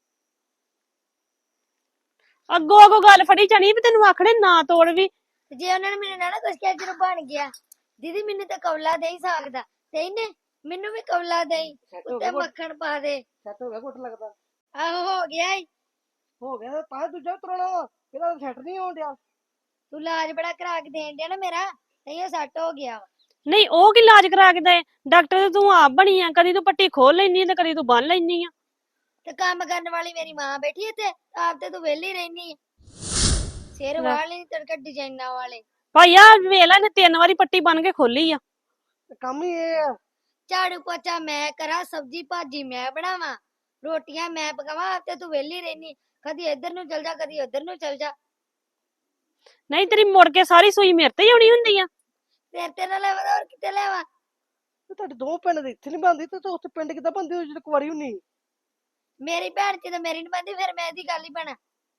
ਅੱਗੋਂ ਅੱਗੋਂ ਗੱਲ ਫੜੀ ਜਾਣੀ ਵੀ ਤੈਨੂੰ ਆਖਣੇ ਨਾ ਤੋੜ ਵੀ।
ਤੇ ਜੇ ਉਹਨਾਂ ਨੇ ਮੈਨੂੰ ਨਾ ਨਾ ਕੁਛ ਕਿਹਾ, ਜਦੋਂ ਬਣ ਗਿਆ ਦੀਦੀ ਮੈਨੂੰ ਤਾਂ ਕੌਲਾ ਦੇ ਹੀ ਸਕਦਾ, ਤੇ ਇਹਨੇ ਮੈਨੂੰ ਵੀ ਕੌਲਾ ਦੇ ਉੱਤੇ ਮੱਖਣ ਪਾ ਦੇ।
ਸੈੱਟ ਹੋ ਗਿਆ ਘੁੱਟ ਲੱਗਦਾ।
ਆਹੋ ਹੋ ਗਿਆ ਈ।
ਹੋ ਗਿਆ ਤਾਂ ਦੂਜਾ ਉਤਰਣਾ ਵਾ, ਇਹਦਾ ਸੈੱਟ ਨਹੀਂ ਹੋਣ ਡਿਆ।
ਤੂੰ ਇਲਾਜ ਬੜਾ ਕਰਾ ਕੇ ਦੇਣ ਡਿਆ ਨਾ ਮੇਰਾ, ਤਈਓ ਸੱਟ ਹੋ ਗਿਆ ਵਾ।
ਨਹੀਂ ਉਹ ਕੀ ਇਲਾਜ ਕਰਾ ਕੇ ਦੇ, ਡਾਕਟਰ ਤੇ ਤੂੰ ਆਪ ਬਣੀ ਆ, ਕਦੀ ਤੂੰ ਪੱਟੀ ਖੋਲ ਲੈਨੀ ਤੇ ਕਦੀ ਤੂੰ ਬੰਨ ਲੈਨੀ ਆ।
ਤੇ ਕੰਮ ਕਰਨ ਵਾਲੀ ਮੇਰੀ ਮਾਂ ਬੈਠੀ ਇੱਥੇ, ਆਪ ਤੇ ਤੂੰ ਵਿਹਲੀ ਰਹਿਨੀ ਆ। ਸਿਰ ਵਾਲੇ ਤੜਕਾ ਡਿਜ਼ਾਈਨਾਂ ਵਾਲੇ।
ਭਾਈ ਆ ਵੇਖ ਲੈ, ਇਹਨੇ ਤਿੰਨ ਵਾਰੀ ਪੱਟੀ ਬੰਨ ਕੇ ਖੋਲੀ ਆ।
ਤੇ ਕੰਮ ਹੀ ਇਹ ਆ।
ਝਾੜੂ ਪੋਚਾ ਮੈਂ ਕਰਾਂ, ਸਬਜ਼ੀ ਭਾਜੀ ਮੈਂ ਬਣਾਵਾਂ, ਰੋਟੀਆਂ ਮੈਂ ਪਕਾਵਾਂ, ਆਪ ਤੇ ਤੂੰ ਵਿਹਲੀ ਰਹਿਨੀ। ਕਦੀ ਇੱਧਰ ਨੂੰ ਚਲ ਜਾ, ਕਦੀ ਉੱਧਰ ਨੂੰ ਚਲ ਜਾ।
ਨਹੀਂ ਤੇਰੀ ਮੁੜ ਕੇ ਸਾਰੀ ਸੂਈ ਮੇਰੇ ਤੇ ਹੀ ਆਉਣੀ ਹੁੰਦੀ ਆ।
ਤੇਰੇ ਤੇ ਨਾ ਲੈਵਾ ਹੋਰ ਕਿਤੇ ਲੈਵਾ।
ਤੇ ਤੁਹਾਡੇ ਦੋ ਪਿੰਡ ਦੇ ਇੱਥੇ ਨਹੀਂ ਬੰਦੀ ਤੇ ਉੱਥੇ ਪਿੰਡ ਕਿੱਦਾਂ ਬੰਦੀ ਹੋ ਜਦੋਂ ਕੁਵਾਰੀ ਹੁੰਨੀ?
ਮੇਰੀ ਭੈਣ ਚ ਤੇ ਮੇਰੀ ਨੀ ਬੰਦੀ, ਫਿਰ ਮੈਂ ਇਹਦੀ ਗੱਲ ਹੀ ਬਣਾ।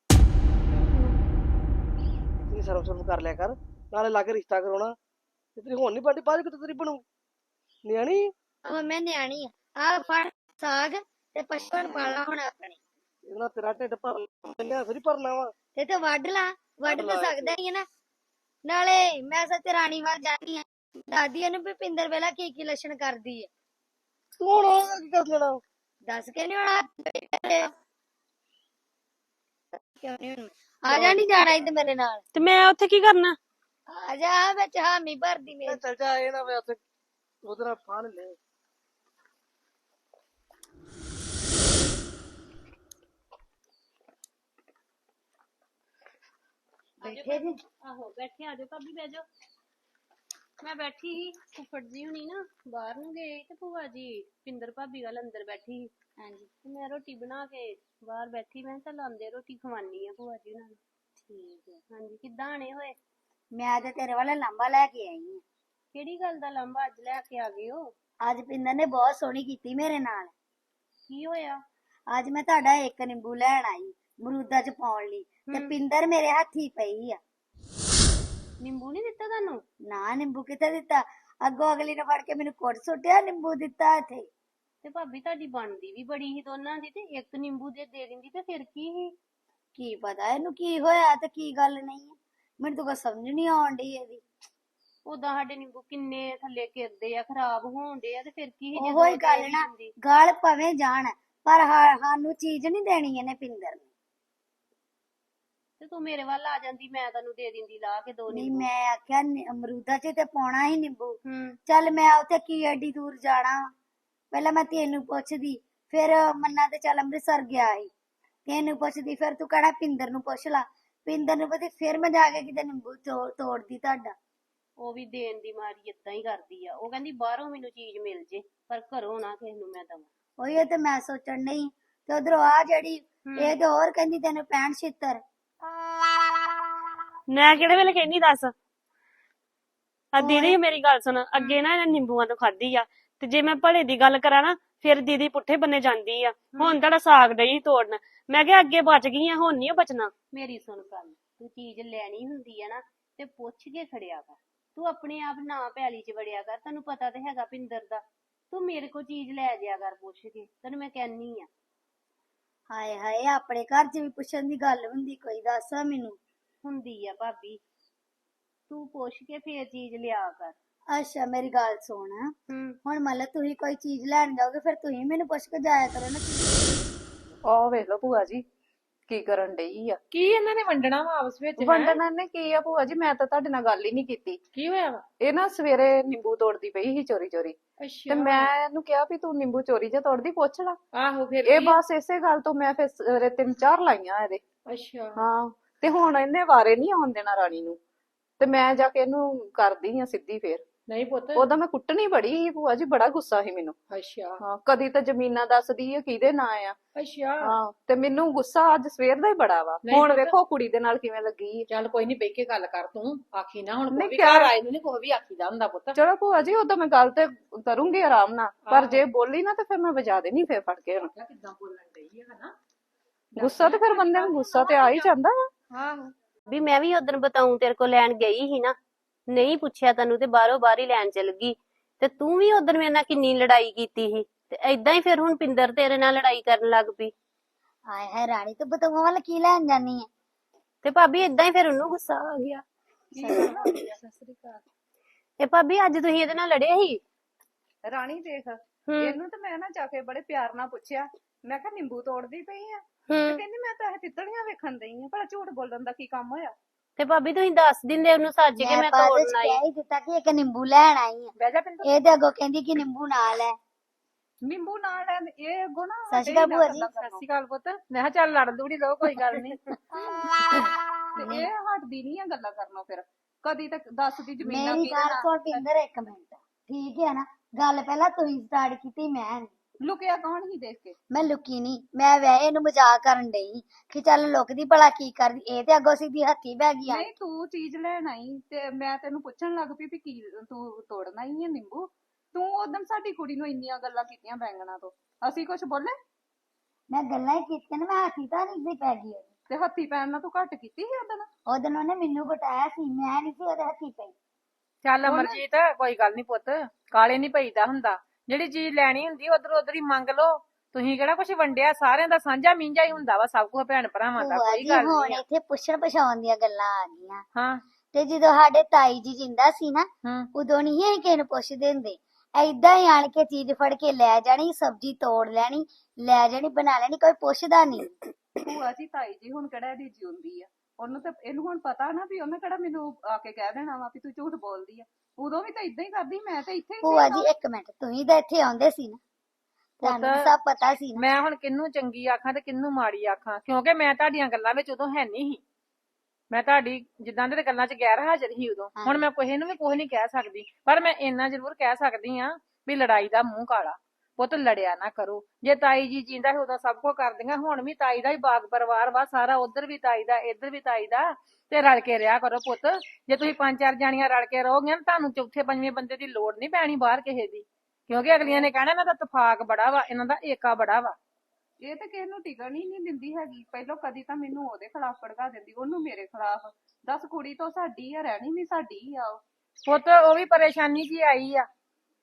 ਤੇਰੀ ਸਰਵ ਸਰਵ ਕਰ ਲਿਆ ਕਰ, ਨਾਲੇ ਲਾ ਕੇ ਰਿਸ਼ਤਾ ਕਰਾਉਣਾ। ਤੇ ਤੇਰੀ ਹੁਣ ਨਹੀਂ ਬੰਦੀ, ਬਾਅਦ ਕਿਤੇ ਤੇਰੀ ਬਣੂ ਨਿਆਣੀ।
ਉਹ ਮੈਂ ਨਿਆਣੀ ਆ। ਆ ਫੜ ਸਾਗ ਤੇ ਪਸ਼ੂਆਂ ਪਾਲਾ ਹੁਣ ਆਪਣੇ।
ਇਹਨਾਂ ਤੇਰਾ ਢਿੱਡ ਭਰ ਲਿਆ, ਫਿਰ ਭਰਨਾ ਵਾ।
ਤੇ ਤੂੰ ਵੱਢ ਲਾ, ਵੱਢ ਤਾਂ ਸਕਦਾ ਹੀ ਹੈ ਨਾ। ਨਾਲੇ ਮੈਂ ਸੱਚ ਰਾਣੀ ਵੱਲ ਜਾਣੀ ਆ, ਦਾਦੀ ਇਹਨੂੰ ਵੀ ਪਿੰਦਰ ਵੇਲਾ ਕੀ ਕੀ ਲੱਛਣ ਕਰਦੀ ਆ।
ਤੂੰ ਹੁਣ ਉਹਦਾ ਕੀ ਕਰ ਲੈਣਾ?
ਦੱਸ ਕੇ ਨੀ ਹੋਣਾ। ਕਿਉਂ ਨੀ ਹੋਣਾ? ਆ ਜਾ, ਨੀ ਜਾਣਾ ਇੱਥੇ ਮੇਰੇ ਨਾਲ।
ਤੇ ਮੈਂ ਉੱਥੇ ਕੀ ਕਰਨਾ?
ਆ ਜਾ, ਵਿੱਚ ਹਾਮੀ ਭਰਦੀ ਮੇਰੀ।
ਚੱਲ ਜਾ, ਇਹ ਨਾ ਵੇ ਉੱਥੇ ਉਹਦੇ ਨਾਲ ਫਾਨ ਲੈ।
ਬੈਠੇ ਜੀ।
ਆਹੋ ਬੈਠੇ, ਆਜੋ ਭਾਬੀ ਬਹਿ ਜਾਓ। ਮੈਂ ਬੈਠੀ ਸੀ, ਫੁੱਫੜ ਜੀ ਹੁਣੀ ਨਾ ਬਾਹਰ ਨੂੰ ਗਏ ਤੇ ਭੂਆ ਜੀ ਪਿੰਦਰ ਭਾਬੀ ਵੱਲ ਅੰਦਰ ਬੈਠੀ ਸੀ। ਹਾਂਜੀ ਤੇ ਮੈਂ ਰੋਟੀ ਬਣਾ ਕੇ ਬਾਹਰ ਬੈਠੀ, ਮੈਂ ਕਿਹਾ ਚੱਲ ਆਉਂਦੇ ਰੋਟੀ ਖਵਾਨੀ ਆ ਭੂਆ ਜੀ ਉਹਨਾਂ ਨੂੰ। ਠੀਕ ਹੈ। ਹਾਂਜੀ ਕਿੱਦਾਂ ਆਣੇ ਹੋਏ?
ਮੈਂ ਤੇ ਤੇਰੇ ਵਾਲਾ ਲਾਂਬਾ ਲੈ ਕੇ ਆਈ ਆ।
ਕਿਹੜੀ ਗੱਲ ਦਾ ਲਾਂਭਾ ਅੱਜ ਲੈ ਕੇ ਆ ਗਏ ਹੋ?
ਅੱਜ ਪਿੰਦਰ ਨੇ ਬਹੁਤ ਸੋਹਣੀ ਕੀਤੀ ਮੇਰੇ ਨਾਲ।
ਕੀ ਹੋਇਆ?
ਅੱਜ ਮੈਂ ਤੁਹਾਡਾ ਇੱਕ ਨਿੰਬੂ ਲੈਣ ਆਈ ਮਰੂਦਾਂ ਚ ਪਾਉਣ ਲਈ, ਤੇ ਪਿੰਦਰ ਮੇਰੇ ਹੱਥੀ ਪਈ ਆ।
ਨਿੰਬੂ ਨਹੀਂ ਦਿੱਤਾ ਤੁਹਾਨੂੰ?
ਨਾ ਨਿੰਬੂ ਕਿੱਥੇ ਦਿੱਤਾ, ਅੱਗੋਂ ਅਗਲੀ ਨੇ ਫੜ ਕੇ ਮੈਨੂੰ ਕੁੱਟ ਸੁੱਟਿਆ, ਨਿੰਬੂ ਦਿੱਤਾ ਇੱਥੇ।
ਤੇ ਭਾਬੀ ਤੁਹਾਡੀ ਬਣਦੀ ਵੀ ਬੜੀ ਸੀ ਦੋਨਾਂ ਦੀ, ਤੇ ਇੱਕ ਨਿੰਬੂ ਦੇ ਦੇ ਦਿੰਦੀ ਤੇ ਫਿਰ ਕੀ ਸੀ?
ਕੀ ਪਤਾ ਇਹਨੂੰ ਕੀ ਹੋਇਆ ਤੇ ਕੀ ਗੱਲ ਨਹੀਂ ਹੈ, ਮੈਨੂੰ ਤਾਂ ਕੁਛ ਸਮਝ ਨਹੀਂ ਆਉਣ ਡਈ ਇਹਦੀ।
ਉਦਾਂ ਸਾਡੇ ਨਿੰਬੂ ਕਿੰਨੇ ਥੱਲੇ ਗਿਰਦੇ ਆ, ਖਰਾਬ ਹੋਣਦੇ ਆ, ਤੇ ਫਿਰ ਕੀ ਸੀ?
ਉਹੋ ਹੀ ਗੱਲ ਨਾ, ਗਲ ਭਵੇਂ ਜਾਣ ਪਰ ਹਾ- ਸਾਨੂੰ ਚੀਜ਼ ਨਹੀਂ ਦੇਣੀ ਇਹਨੇ ਪਿੰਦਰ ਨੇ।
ਤੇ ਤੂੰ ਮੇਰੇ ਵੱਲ ਆ ਜਾਂਦੀ, ਮੈਂ ਤੈਨੂੰ ਦੇ ਦਿੰਦੀ ਲਾ ਕੇ ਦੋ
ਨਹੀਂ
ਨਿੰਬੂ।
ਮੈਂ ਆਖਿਆ ਨਿ- ਅਮਰੂਦਾਂ ਚ ਤੇ ਪਾਉਣਾ ਹੀ ਨਿੰਬੂ।
ਹੂੰ
ਚੱਲ ਮੈਂ ਉੱਥੇ ਕੀ ਐਡੀ ਦੂਰ ਜਾਣਾ, ਪਹਿਲਾਂ ਮੈਂ ਤੈਨੂੰ ਪੁੱਛਦੀ, ਫਿਰ ਮੰਨਾ ਤੇ ਚੱਲ ਅੰਮ੍ਰਿਤਸਰ ਗਿਆ ਸੀ, ਤੈਨੂੰ ਪੁੱਛਦੀ, ਫਿਰ ਤੂੰ ਕਹਿਣਾ ਪਿੰਦਰ ਨੂੰ ਪੁੱਛ ਲਾ, ਪਿੰਦਰ ਨੂੰ ਪਤਾ, ਫਿਰ ਮੈਂ ਜਾ ਕੇ ਕਿਤੇ ਨਿੰਬੂ ਤੋੜ ਤੋੜਦੀ ਤੁਹਾਡਾ।
ਉਹ ਵੀ ਦੇਣ ਦੀ ਮਾਰੀ ਏਦਾਂ ਹੀ ਕਰਦੀ ਆ। ਉਹ ਕਹਿੰਦੀ ਬਾਹਰੋਂ ਮੈਨੂੰ ਚੀਜ਼ ਮਿਲ ਜੇ ਪਰ ਘਰੋਂ ਨਾ ਕਿਸੇ ਨੂੰ ਮੈਂ ਦਵਾਂ।
ਉਹੀ ਤੇ ਮੈਂ ਸੋਚਣ ਨਹੀਂ ਤੇ ਉਧਰੋਂ ਆ ਜਿਹੜੀ ਇਹ ਤੇ ਹੋਰ ਕਹਿੰਦੀ ਤੈਨੂੰ ਪੈਂਹਠ ਛਿੱਤਰ।
ਮੈਂ ਕਿਹੜੇ ਵੇਲੇ ਕਹਿੰਦੀ ਦੱਸ। ਆ ਦੀਦੀ ਮੇਰੀ ਗੱਲ ਸੁਣ, ਅੱਗੇ ਨਾ ਇਹਨੇ ਨਿੰਬੂਆਂ ਤੋਂ ਖਾਧੀ ਆ ਤੇ ਜੇ ਮੈਂ ਭਲੇ ਦੀ ਗੱਲ ਕਰਾਂ ਨਾ ਫਿਰ ਦੀਦੀ ਪੁੱਠੇ ਬੰਨੇ ਜਾਂਦੀ ਆ। ਹੁਣ ਤੁਹਾਡਾ ਸਾਗ ਡਈ ਤੋੜਨ, ਮੈਂ ਕਿਹਾ ਅੱਗੇ ਬਚ ਗਈ ਆ, ਹੁਣ ਨਹੀਂ ਬਚਣਾ।
ਮੇਰੀ ਸੁਣ ਗੱਲ, ਤੂੰ ਚੀਜ਼ ਲੈਣੀ ਹੁੰਦੀ ਆ ਨਾ ਤੇ ਪੁੱਛ ਕੇ ਖੜਿਆ ਕਰ। ਤੂੰ ਆਪਣੇ ਆਪ ਨਾ ਪੈਲੀ ਚ ਵੜਿਆ ਕਰ, ਤੈਨੂੰ ਪਤਾ ਤੇ ਹੈਗਾ ਪਿੰਦਰ ਦਾ। ਤੂੰ ਮੇਰੇ ਕੋਲ ਚੀਜ਼ ਲੈ ਜਾਇਆ ਕਰ ਪੁੱਛ ਕੇ, ਤੈਨੂੰ ਮੈਂ ਕਹਿੰਨੀ ਆ।
ਹਾਏ ਹਾਏ ਆਪਣੇ ਘਰ ਚ ਵੀ ਪੁੱਛਣ ਦੀ ਗੱਲ ਹੁੰਦੀ ਕੋਈ, ਦੱਸ ਮੈਨੂੰ।
ਹੁੰਦੀ ਆ ਭਾਬੀ, ਤੂੰ ਪੁੱਛ ਕੇ ਫੇਰ ਚੀਜ਼ ਲਿਆ ਕਰ।
ਅੱਛਾ ਮੇਰੀ ਗੱਲ ਸੁਣ, ਹੁਣ ਮੰਨ ਲਓ ਤੁਸੀਂ ਕੋਈ ਚੀਜ਼ ਲੈਣ ਜਾਓਗੇ ਫਿਰ ਤੁਸੀਂ ਮੈਨੂੰ ਪੁੱਛ ਕੇ ਜਾਇਆ ਕਰੋ ਨਾ।
ਆਹ ਵੇਖ ਲਓ ਭੂਆ ਜੀ ਕੀ ਕਰਨ ਡਈ ਆ।
ਕੀ ਇਹਨਾਂ ਨੇ ਵੰਡਣਾ ਵਾ ਆਪਸ ਵਿੱਚ? ਹੈਂ?
ਵੰਡਣਾ ਨੇ ਕੀ ਆ ਭੂਆ ਜੀ, ਮੈਂ ਤਾਂ ਤੁਹਾਡੇ ਨਾਲ ਗੱਲ ਹੀ ਨਹੀਂ ਕੀਤੀ।
ਕੀ ਹੋਇਆ ਵਾ?
ਇਹ ਨਾ ਸਵੇਰੇ ਨਿੰਬੂ ਤੋੜਦੀ ਪਈ ਸੀ ਚੋਰੀ ਚੋਰੀ, ਤੇ
ਅੱਛਾ।
ਮੈਂ ਇਹਨੂੰ ਕਿਹਾ ਵੀ ਤੂੰ ਨਿੰਬੂ ਚੋਰੀ ਜਿਹਾ ਤੋੜਦੀ, ਪੁੱਛ ਲਾ।
ਆਹੋ ਫਿਰ
ਇਹ
ਕੀ?
ਬਸ ਇਸੇ ਗੱਲ ਤੋਂ ਮੈਂ ਫਿਰ ਸਵੇਰੇ ਤਿੰਨ ਚਾਰ ਲਾਈਆਂ ਇਹਦੇ।
ਅੱਛਾ।
ਹਾਂ ਤੇ ਹੁਣ ਇਹਨੇ ਵਾਰੇ ਨਹੀਂ ਆਉਣ ਦੇਣਾ ਰਾਣੀ ਨੂੰ, ਤੇ ਮੈਂ ਜਾ ਕੇ ਇਹਨੂੰ ਕਰਦੀ ਆ ਸਿੱਧੀ ਫੇਰ।
ਨਹੀਂ ਪੁੱਤ।
ਉਹਦਾ ਮੈਂ ਕੁੱਟਣੀ ਬੜੀ ਸੀ ਭੂਆ ਜੀ, ਬੜਾ ਗੁੱਸਾ ਸੀ ਮੈਨੂੰ।
ਅੱਛਾ।
ਹਾਂ ਕਦੀ ਤਾਂ ਜ਼ਮੀਨਾਂ ਦੱਸਦੀ ਆ ਕਿਹਦੇ ਨਾਂ ਆ।
ਅੱਛਾ।
ਹਾਂ ਤੇ ਮੈਨੂੰ ਗੁੱਸਾ ਅੱਜ ਸਵੇਰ ਦਾ ਹੀ ਬੜਾ ਵਾ।
ਨਹੀਂ
ਹੁਣ
ਪੁੱਤ।
ਵੇਖੋ ਕੁੜੀ ਦੇ ਨਾਲ ਕਿਵੇਂ ਲੱਗੀ ਆ।
ਚੱਲ ਕੋਈ ਨਹੀਂ, ਬਹਿ ਕੇ ਗੱਲ ਕਰ, ਤੂੰ ਆਖੀ ਨਾ ਹੁਣ। ਕੋਈ
ਨਹੀਂ
ਵੀ
ਕਿਆ-
ਘਰ ਆਏ ਨੂੰ ਨੀ ਕੋਈ ਵੀ ਆਖੀਦਾ ਹੁੰਦਾ ਪੁੱਤ।
ਚਲੋ ਭੂਆ ਜੀ ਉਦੋਂ ਮੈਂ ਗੱਲ ਤੇ ਕਰੂੰਗੀ ਆਰਾਮ ਨਾਲ, ਪਰ
ਆਹੋ।
ਜੇ ਬੋਲੀ ਨਾ ਤੇ ਫਿਰ ਮੈਂ ਵਜਾ ਦੇਣੀ ਫੇਰ ਫੜ ਕੇ ਹੁਣ।
ਕਿੱਦਾਂ ਬੋਲਣ ਡਈ ਆ ਹਨਾ।
ਗੁੱਸਾ ਤੇ ਫਿਰ ਬੰਦੇ ਨੂੰ ਗੁੱਸਾ ਤੇ ਆ ਹੀ ਜਾਂਦਾ ਆ।
ਆਹੋ।
ਵੀ ਮੈਂ ਵੀ ਉਦੋਂ ਬਤਾਉਂ ਤੇਰੇ ਕੋਲ ਲੈਣ ਗਈ ਸੀ ਨਾ, ਨਹੀਂ ਪੁੱਛਿਆ ਤੈਨੂੰ ਤੇ ਬਾਹਰੋਂ ਬਾਹਰ ਹੀ ਲੈਣ ਚਲ ਗਈ। ਤੇ ਤੂੰ ਵੀ ਉਦੋਂ ਮੇਰੇ ਨਾਲ ਕਿੰਨੀ ਲੜਾਈ ਕੀਤੀ ਸੀ, ਤੇ ਏਦਾਂ ਹੀ ਫਿਰ ਹੁਣ ਪਿੰਦਰ ਤੇਰੇ ਨਾਲ ਲੜਾਈ ਕਰਨ ਲੱਗ ਪਈ।
ਹਾਏ ਹਾਏ ਰਾਣੀ ਤੂੰ ਬਤੂਆਂ ਵੱਲ ਕੀ ਲੈਣ ਜਾਨੀ ਹੈ?
ਤੇ ਭਾਬੀ ਏਦਾਂ ਹੀ ਫਿਰ ਉਹਨੂੰ ਗੁੱਸਾ ਆ ਗਿਆ। ਤੇ ਭਾਬੀ ਅੱਜ ਤੁਸੀਂ ਇਹਦੇ ਨਾਲ ਲੜੇ ਸੀ?
ਰਾਣੀ ਦੇਖ, ਇਹਨੂੰ ਤੇ ਮੈਂ ਨਾ ਜਾ ਕੇ ਬੜੇ ਪਿਆਰ ਨਾਲ ਪੁੱਛਿਆ, ਮੈਂ ਕਿਹਾ ਨਿੰਬੂ ਤੋੜਦੀ ਪਈ ਆ, ਤੇ ਕਹਿੰਦੀ ਮੈਂ ਤਾਂ ਇਹ ਤਿੱਤਲੀਆਂ ਵੇਖਣ ਦਈ ਆ। ਭਲਾ ਝੂਠ ਬੋਲਣ ਦਾ ਕੀ ਕੰਮ ਹੋਇਆ?
ਤੇ ਭਾਬੀ ਤੁਸੀਂ ਦੱਸ ਦਿੰਦੇ ਉਹਨੂੰ ਸੱਚ ਕੇ ਮੈਂ
ਬਾਅਦ ਵਿੱਚ
ਤੋੜਨ ਆਈ।
ਕਹਿ ਹੀ ਦਿੱਤਾ ਕਿ ਇੱਕ ਨਿੰਬੂ ਲੈਣ ਆਈ ਆ।
ਬਹਿ ਜਾ ਪਿੰਦਰ।
ਇਹ ਤੇ ਅੱਗੋਂ ਕਹਿੰਦੀ ਕਿ ਨਿੰਬੂ ਨਾਲ ਹੈ।
ਨਿੰਬੂ ਨਾਲ ਲੈਣ ਇਹ ਅੱਗੋਂ ਨਾ
ਸਤਿ ਸ਼੍ਰੀ ਅਕਾਲ ਭੂਆ ਜੀ।
ਸਤਿ ਸ਼੍ਰੀ ਅਕਾਲ ਪੁੱਤ। ਮੈਂ ਕਿਹਾ ਚੱਲ ਲੜ ਲੂੜੀ ਲਓ, ਕੋਈ ਗੱਲ ਨਹੀਂ।
ਤੇ ਇਹ ਹਟਦੀ ਨਹੀਂ ਆ ਗੱਲਾਂ ਕਰਨੋਂ। ਫਿਰ ਕਦੀ ਤੱਕ ਦੱਸਦੀ ਜ਼ਮੀਨਾਂ
ਮੇਰੀ
ਕੀ
ਗੱਲ ਸੁਣ ਪਿੰਦਰ ਇੱਕ ਮਿੰਟ, ਠੀਕ ਹੈ ਨਾ? ਗੱਲ ਪਹਿਲਾਂ ਤੁਸੀਂ ਸਟਾਰਟ ਕੀਤੀ, ਮੈਂ ਨੀ।
ਲੁਕਿਆ ਕੌਣ ਹੀ ਦੇਖ ਕੇ?
ਮੈਂ ਲੁਕੀ ਨਹੀਂ, ਮੈਂ ਵੈਸੇ ਇਹਨੂੰ ਮਜ਼ਾਕ ਕਰਨ ਡਈ ਕਿ ਚੱਲ ਲੁਕਦੀ ਭਲਾ ਕੀ ਕਰਦੀ। ਇਹ ਤੇ ਅੱਗੋਂ ਸਿੱਧੀ ਹੱਥੀ ਬਹਿ ਗਈ ਆ।
ਨਹੀਂ ਤੂੰ ਚੀਜ਼ ਲੈਣ ਆਈ ਤੇ ਮੈਂ ਤੈਨੂੰ ਪੁੱਛਣ ਲੱਗ ਪਈ ਵੀ ਕੀ ਤੂੰ ਤੋੜਨਾ ਹੀ ਹੈ ਨਿੰਬੂ। ਤੂੰ ਉਦੋਂ ਸਾਡੀ ਕੁੜੀ ਨੂੰ ਇੰਨੀਆਂ ਗੱਲਾਂ ਕੀਤੀਆਂ ਬੈਂਗਣਾ ਤੋਂ, ਅਸੀਂ ਕੁਝ ਬੋਲੇ?
ਮੈਂ ਗੱਲਾਂ ਹੀ ਕੀਤੀਆਂ ਨੇ, ਮੈਂ ਹੱਥੀ ਤਾਂ ਨਹੀਂ ਸੀ ਪੈ ਗਈ।
ਤੇ ਹੱਥੀ ਪੈਣ ਨਾਲ ਤੂੰ ਘੱਟ ਕੀਤੀ ਸੀ ਉਦੋਂ?
ਉਹਦੋਂ ਉਹਨੇ ਮੈਨੂੰ ਬਟਾਇਆ ਸੀ, ਮੈਂ ਨਹੀਂ ਸੀ ਉਹਦੇ ਹੱਥੀ ਪਈ।
ਚੱਲ ਅਮਰਜੀਤ ਕੋਈ ਗੱਲ ਨਹੀਂ ਪੁੱਤ, ਕਾਲੇ ਨਹੀਂ ਪਈਦਾ ਹੁੰਦਾ। ਜਿਹੜੀ ਚੀਜ਼ ਲੈਣੀ ਹੁੰਦੀ ਉਧਰ ਉਧਰ ਹੀ ਮੰਗ ਲਓ। ਤੁਸੀਂ ਕਿਹੜਾ ਕੁਝ ਵੰਡਿਆ, ਸਾਰਿਆਂ ਦਾ ਸਾਂਝਾ ਮੀਂਝਾ ਹੀ ਹੁੰਦਾ ਵਾ, ਸਭ ਕੁਝ ਭੈਣ ਭਰਾਵਾਂ ਦਾ।
ਭੂਆ
ਕੋਈ
ਜੀ
ਗੱਲ
ਹੁਣ
ਨਹੀਂ।
ਇੱਥੇ ਪੁੱਛਣ ਪਛਾਉਣ ਦੀਆਂ ਗੱਲਾਂ ਆ ਗਈਆਂ।
ਹਾਂ।
ਤੇ ਜਦੋਂ ਸਾਡੇ ਤਾਈ ਜੀ ਜਿੰਦਾ ਸੀ ਨਾ,
ਹੂੰ।
ਉਦੋਂ ਨਹੀਂ ਅਸੀਂ ਕਿਸੇ ਨੂੰ ਪੁੱਛਦੇ ਹੁੰਦੇ। ਏਦਾਂ ਹੀ ਆਣ ਕੇ ਚੀਜ਼ ਫੜ ਕੇ ਲੈ ਜਾਣੀ, ਸਬਜ਼ੀ ਤੋੜ ਲੈਣੀ, ਲੈ ਜਾਣੀ, ਬਣਾ ਲੈਣੀ, ਕੋਈ ਪੁੱਛਦਾ ਨਹੀਂ।
ਭੂਆ ਜੀ ਤਾਈ ਜੀ ਹੁਣ ਕਿਹੜਾ ਇਹਦੀ ਜਿਉਂਦੀ ਆ? ਉਹਨੂੰ ਤਾਂ ਇਹਨੂੰ ਹੁਣ ਪਤਾ ਨਾ ਵੀ ਉਹਨੇ ਕਿਹੜਾ ਮੈਨੂੰ ਆ ਕੇ ਕਹਿ ਦੇਣਾ ਵਾ ਵੀ ਤੂੰ ਝੂਠ ਬੋਲਦੀ ਆ। ਉਦੋਂ ਵੀ ਤਾਂ ਇਦਾਂ ਹੀ ਕਰਦੀ, ਮੈਂ ਤਾਂ ਇੱਥੇ ਹੀ
ਭੂਆ
ਸੀ।
ਜੀ ਇੱਕ ਮਿੰਟ, ਤੁਸੀਂ ਤਾਂ ਇੱਥੇ ਆਉਂਦੇ ਸੀ ਨਾ, ਤੁਹਾਨੂੰ
ਪੁੱਤ,
ਸਭ ਪਤਾ ਸੀ ਨਾ।
ਮੈਂ ਹੁਣ ਕਿਹਨੂੰ ਚੰਗੀ ਆਖਾਂ ਤੇ ਕਿਹਨੂੰ ਮਾੜੀ ਆਖਾਂ, ਕਿਉਂਕਿ ਮੈਂ ਤੁਹਾਡੀਆਂ ਗੱਲਾਂ ਵਿੱਚ ਉਦੋਂ ਹੈ ਨਹੀਂ ਸੀ। ਮੈਂ ਤੁਹਾਡੀ ਜਿੱਦਾਂ ਦੇ ਗੱਲਾਂ 'ਚ ਗੈਰ ਹਾਜ਼ਰ ਸੀ ਉਦੋਂ। ਹੁਣ ਮੈਂ ਕਿਸੇ ਨੂੰ ਵੀ ਕੁਝ ਨਹੀਂ ਕਹਿ ਸਕਦੀ, ਪਰ ਮੈਂ ਇੰਨਾ ਜ਼ਰੂਰ ਕਹਿ ਸਕਦੀ ਆ ਵੀ ਲੜਾਈ ਦਾ ਮੂੰਹ ਕਾਲਾ। ਪੁੱਤ ਲੜਿਆ ਨਾ ਕਰੋ। ਜੇ ਤਾਈ ਜੀ ਜਿੰਦਾ ਸੀ ਉਦੋਂ ਸਭ ਕੁਝ ਕਰਦੀਆਂ, ਹੁਣ ਵੀ ਤਾਈ ਦਾ ਹੀ ਬਾਗ ਪਰਿਵਾਰ ਵਾ ਸਾਰਾ, ਉਧਰ ਵੀ ਤਾਈ ਦਾ, ਇੱਧਰ ਵੀ ਤਾਈ ਦਾ, ਤੇ ਰਲ ਕੇ ਰਿਹਾ ਕਰੋ ਪੁੱਤ। ਜੇ ਤੁਸੀਂ ਪੰਜ ਚਾਰ ਜਾਣੀਆਂ ਰਲ ਕੇ ਰਹੋਗੇ, ਤੁਹਾਨੂੰ ਚੌਥੇ ਪੰਜਵੇਂ ਬੰਦੇ ਦੀ ਲੋੜ ਨਹੀਂ ਪੈਣੀ ਬਾਹਰ ਕਿਸੇ ਦੀ, ਕਿਉਂਕਿ ਅਗਲੀਆਂ ਨੇ ਕਹਿਣਾ ਇਹਨਾਂ ਦਾ ਤਫਾਕ ਬੜਾ ਵਾ, ਇਹਨਾਂ ਦਾ ਏਕਾ ਬੜਾ ਵਾ।
ਇਹ ਤਾਂ ਕਿਸੇ ਨੂੰ ਟਿਕਣ ਹੀ ਨਹੀਂ ਦਿੰਦੀ ਹੈਗੀ। ਪਹਿਲਾਂ ਕਦੀ ਤਾਂ ਮੈਨੂੰ ਉਹਦੇ ਖਿਲਾਫ ਭੜਕਾ ਦਿੰਦੀ, ਉਹਨੂੰ ਮੇਰੇ ਖਿਲਾਫ। ਦੱਸ ਕੁੜੀ ਤੋਂ ਸਾਡੀ ਆ, ਰਹਿਣੀ ਵੀ ਸਾਡੀ ਆ।
ਪੁੱਤ ਉਹ ਵੀ ਪਰੇਸ਼ਾਨੀ ਜੀ ਆਈ ਆ।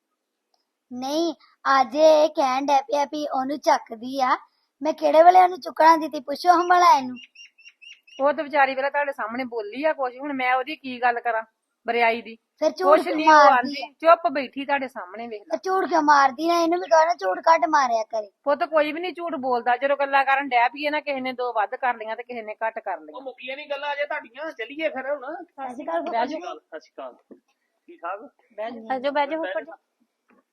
ਨਹੀਂ ਅੱਜ ਇਹ ਕਹਿਣ ਡੈ ਪਿਆ ਵੀ ਉਹਨੂੰ ਚੱਕਦੀ ਆ, ਮੈਂ ਕਿਹੜੇ ਵੇਲੇ ਉਹਨੂੰ ਚੁੱਕਣਾ ਦਿੱਤੀ? ਪੁੱਛੋ ਹਮਲਾ ਇਹਨੂੰ।
ਉਹ ਤੇ ਵਿਚਾਰੀ ਵੇਲੇ ਤੁਹਾਡੇ ਸਾਹਮਣੇ ਬੋਲੀ ਆ ਕੁਛ, ਹੁਣ ਮੈਂ ਉਹਦੀ ਕੀ ਗੱਲ ਕਰਾਂ ਬਰਿਆਈ ਦੀ?
ਫਿਰ ਝੂਠ
ਕੁਛ
ਕਿਉਂ
ਨਹੀਂ ਉਹ
ਮਾਰਦੀ
ਆਂਦੀ, ਚੁੱਪ ਬੈਠੀ ਤੁਹਾਡੇ ਸਾਹਮਣੇ, ਵੇਖ ਲੈ।
ਆ? ਝੂਠ ਕਿਉਂ ਮਾਰਦੀ ਨਾ? ਇਹਨੂੰ ਵੀ ਕਹੋ ਝੂਠ ਕੱਢ ਮਾਰਿਆ ਕਰੇ।
ਪੁੱਤ ਕੋਈ ਵੀ ਨਹੀਂ ਝੂਠ ਬੋਲਦਾ, ਜਦੋਂ ਗੱਲਾਂ ਕਰਨ ਡੈ ਪਈਏ ਨਾ, ਕਿਸੇ ਨੇ ਦੋ ਵੱਧ ਕਰ ਲਈਆਂ ਤੇ ਕਿਸੇ ਨੇ ਘੱਟ ਕਰ ਲਈਆਂ।
ਉਹ ਮੁੱਕੀਆਂ ਨਹੀਂ ਗੱਲਾਂ ਅਜੇ ਤੁਹਾਡੀਆਂ, ਚੱਲੀਏ ਫਿਰ ਹੁਣ।
ਸਤਿ ਸ਼੍ਰੀ ਅਕਾਲ
ਬਹਿ
ਫੁੱਫੜ ਜੀ।
ਜਾਓ,
ਸਤਿ ਸ਼੍ਰੀ ਅਕਾਲ। ਠੀਕ ਠਾਕ?
ਬਹਿ ਜਾਓ।
ਬਹਿ ਜਾਓ ਬਹਿ ਜਾਓ ਉੱਪਰ।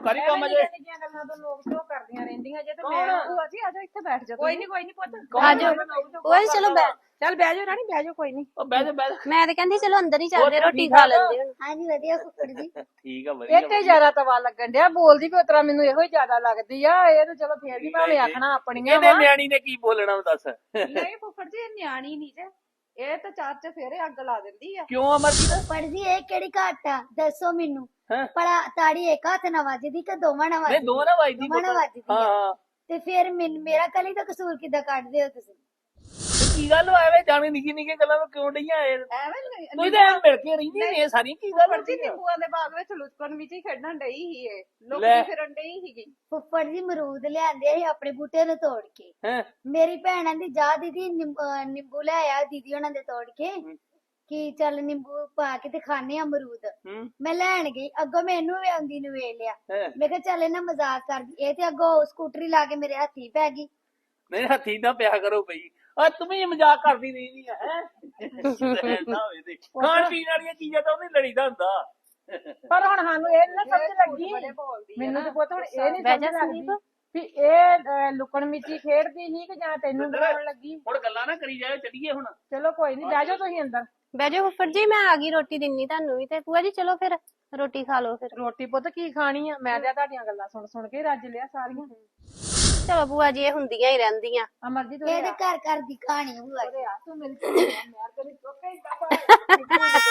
ਕਰੀ ਕੰਮ ਜੇ
ਨਿੱਕੀਆਂ ਗੱਲਾਂ ਤੋਂ ਲੋਕ ਸ਼ੋਅ ਕਰਦੀਆਂ ਰਹਿੰਦੀਆਂ ਜੇ ਤੇ ਮੈਂ
ਭੂਆ ਜੀ ਆ ਜਾਓ ਇੱਥੇ ਬੈਠ ਜਾਓ
ਕੋਈ ਨਹੀਂ ਕੋਈ ਨਹੀਂ ਪੁੱਤ
ਕੌਣ
ਭੂਆ ਜੀ ਚਲੋ ਬੈ
ਚੱਲ ਬਹਿ ਜਾਓ ਰਾਣੀ ਬਹਿ ਜਾਓ ਕੋਈ ਨਹੀਂ
ਉਹ ਬਹਿ ਜਾ ਬਹਿ ਜਾ।
ਮੈਂ ਤੇ ਕਹਿੰਦੀ ਚਲੋ ਅੰਦਰ ਹੀ ਚੱਲਦੇ ਰੋਟੀ ਖਾ ਲੈਂਦੇ ਹੁਣ
ਹਾਂਜੀ ਵਧੀਆ ਫੁੱਫੜ ਜੀ
ਠੀਕ ਆ ਵਧੀਆ
ਇੱਕ ਹੀ ਜ਼ਿਆਦਾ ਤਵਾ ਲੱਗਣ ਡਿਆ ਬੋਲਦੀ ਵੀ ਉਤਰਾ ਮੈਨੂੰ ਇਹੋ ਹੀ ਜ਼ਿਆਦਾ ਲੱਗਦੀ ਆ ਇਹ ਤਾਂ ਚਲੋ ਫੇਰ ਵੀ ਭਾਵੇਂ ਆਖਣਾ ਆਪਣੀਆਂ
ਇਹਨੇ
ਵਾ
ਨਿਆਣੀ ਨੇ ਕੀ ਬੋਲਣਾ ਉਹ ਦੱਸ
ਨਹੀਂ ਫੁੱਫੜ ਜੀ ਇਹ ਨਿਆਣੀ ਨਹੀਂ ਜੇ ਇਹ ਤਾਂ ਚਾਰ ਚ ਫੇਰੇ ਅੱਗ ਲਾ ਦਿੰਦੀ ਆ
ਕਿਉਂ ਅਮਰਜੀਤ
ਫੁੱਫੜ ਜੀ ਇਹ ਕਿਹੜੀ ਘਾਟ ਆ ਦੱਸੋ ਮੈਨੂੰ
ਹੈਂ?
ਭਲਾ ਤਾੜੀ ਇੱਕ ਹੱਥ ਨਾਲ ਵੱਜਦੀ ਕਿ ਦੋਵਾਂ ਨਾਲ
ਨਹੀਂ
ਵੱਜਦੀ
ਦੋ ਨਾ ਵੱਜਦੀ
ਦੋਵਾਂ ਨਾਲ ਵੱਜਦੀ
ਹਾਂ
ਆ
ਹਾਂ
ਤੇ ਫਿਰ ਮੈਨ- ਮੇਰਾ ਕਲੀ ਦਾ ਕਸੂਰ ਕਿੱਦਾਂ ਕੱਢਦੇ ਹੋ ਤੁਸੀਂ
ਤੇ ਕੀ ਗੱਲ ਹੋਇਆ ਵੇ ਜਾਣੀ ਨਿੱਕੀ ਨਿੱਕੀ ਗੱਲਾਂ ਨੂੰ ਕਿਉਂ ਡਈਆਂ ਇਹ
ਐਵੇਂ ਨਹੀਂ-
ਤੁਸੀਂ ਤਾਂ ਐਂ ਮਿਲ ਕੇ ਰਹਿੰਦੀ ਨੇ ਸਾਰੀ ਕੀ ਗੱਲ
ਫੁੱਫੜ ਜੀ
ਹੁੰਦੀ ਆ?
ਨਿੰਬੂਆਂ ਦੇ ਬਾਗ ਵਿੱਚ ਲੁਚਕਣ ਵਿੱਚ ਹੀ ਖੇਡਣ ਡਈ ਸੀ ਇਹ
ਲੈ।
ਲੋਕੀ ਫਿਰਨ ਡਈ ਸੀਗੀ
ਫੁੱਫੜ ਜੀ ਮਰੂਦ ਲਿਆਂਦੇ ਸੀ ਆਪਣੇ ਬੂਟੇ ਨੂੰ ਤੋੜ ਕੇ
ਹੈਂ?
ਮੇਰੀ ਭੈਣਾਂ ਦੀ ਜਾ ਦੀਦੀ ਨਿੰਬ- ਅਹ ਨਿੰਬੂ ਲੈ ਆਇਆ ਦੀਦੀ ਉਹਨਾਂ ਦੇ ਤੋੜ ਕੇ ਕਿ ਚੱਲ ਨਿੰਬੂ ਪਾ ਕੇ ਤੇ ਖਾਣੇ ਆ ਅਮਰੂਦ
ਹੂੰ
ਮੈਂ ਲੈਣ ਗਈ ਅੱਗੋਂ ਮੈਨੂੰ ਵੀ ਆਉਂਦੀ ਨੂੰ ਵੇਖ ਲਿਆ
ਹੈਂ?
ਮੈਂ ਕਿਹਾ ਚੱਲ ਇਹਨਾਂ ਮਜ਼ਾਕ ਕਰਦੀ ਇਹ ਤੇ ਅੱਗੋਂ ਸਕੂਟਰੀ ਲਾ ਕੇ ਮੇਰੇ ਹੱਥੀ ਪੈ ਗਈ
ਨਹੀਂ ਹੱਥੀ ਨਾ ਪਿਆ ਕਰੋ ਬਈ ਆ ਤੂੰ ਵੀ ਮਜ਼ਾਕ ਕਰਦੀ ਰਹਿੰਦੀ ਆ ਹੈ ਨਾ ਹੋਵੇ ਤੇ ਖਾਣ ਪੀਣ ਵਾਲੀਆਂ ਚੀਜ਼ਾਂ ਤਾਂ ਉਹਨੇ ਲੜੀਦਾ ਹੁੰਦਾ
ਪਰ ਹੁਣ ਸਾਨੂੰ ਇਹ ਨੀ ਨਾ ਸਮਝ ਲੱਗੀ
ਬੜੇ ਬੋਲਦੀ ਆ
ਮੈਨੂੰ
ਨਾ।
ਤੇ ਪੁੱਤ ਹੁਣ ਇਹ ਨਹੀਂ
ਬਹਿ
ਸਮਝ
ਜਾ
ਲੱਗਦੀ
ਸੰਦੀਪ।
ਵੀ ਇਹ ਅਹ, ਲੁਕਣ ਮਿੱਚੀ ਖੇਡਦੀ ਸੀ ਕਿ ਜਾਂ ਤੈਨੂੰ ਬਣਾਉਣ ਲੱਗੀ
ਹੁਣ ਗੱਲਾਂ ਨਾ ਕਰੀ ਜਾਏ ਚੱਲੀਏ ਹੁਣ
ਚਲੋ ਕੋਈ ਨਹੀਂ ਬਹਿ ਜਾਓ ਤੁਸੀਂ ਅੰਦਰ
ਬਹਿ ਜਾਓ ਫੁੱਫੜ ਜੀ ਮੈਂ ਆ ਗਈ ਰੋਟੀ ਦਿੰਨੀ ਤੁਹਾਨੂੰ ਵੀ ਤੇ ਭੂਆ ਜੀ ਚਲੋ ਫਿਰ ਰੋਟੀ ਖਾ ਲਓ ਫਿਰ
ਰੋਟੀ ਪੁੱਤ ਕੀ ਖਾਣੀ ਆ ਮੈਂ ਤਾਂ ਤੁਹਾਡੀਆਂ ਗੱਲਾਂ ਸੁਣ ਸੁਣ ਕੇ ਰੱਜ ਲਿਆ ਸਾਰੀਆਂ
ਚਲੋ ਭੂਆ ਜੀ ਇਹ ਹੁੰਦੀਆਂ ਹੀ ਰਹਿੰਦੀਆਂ
ਅਮਰਜੀਤ
ਇਹ ਤੇ ਘਰ ਘਰ ਦੀ ਕਹਾਣੀ ਹੋਆ
ਉਹਦੇ ਆ ਤੂੰ ਮੇਰੀ ਧੀ ਆ, ਮੈਂ ਤੇਰੀ ਚੋਕੇ ਹੀ ਦਬਾ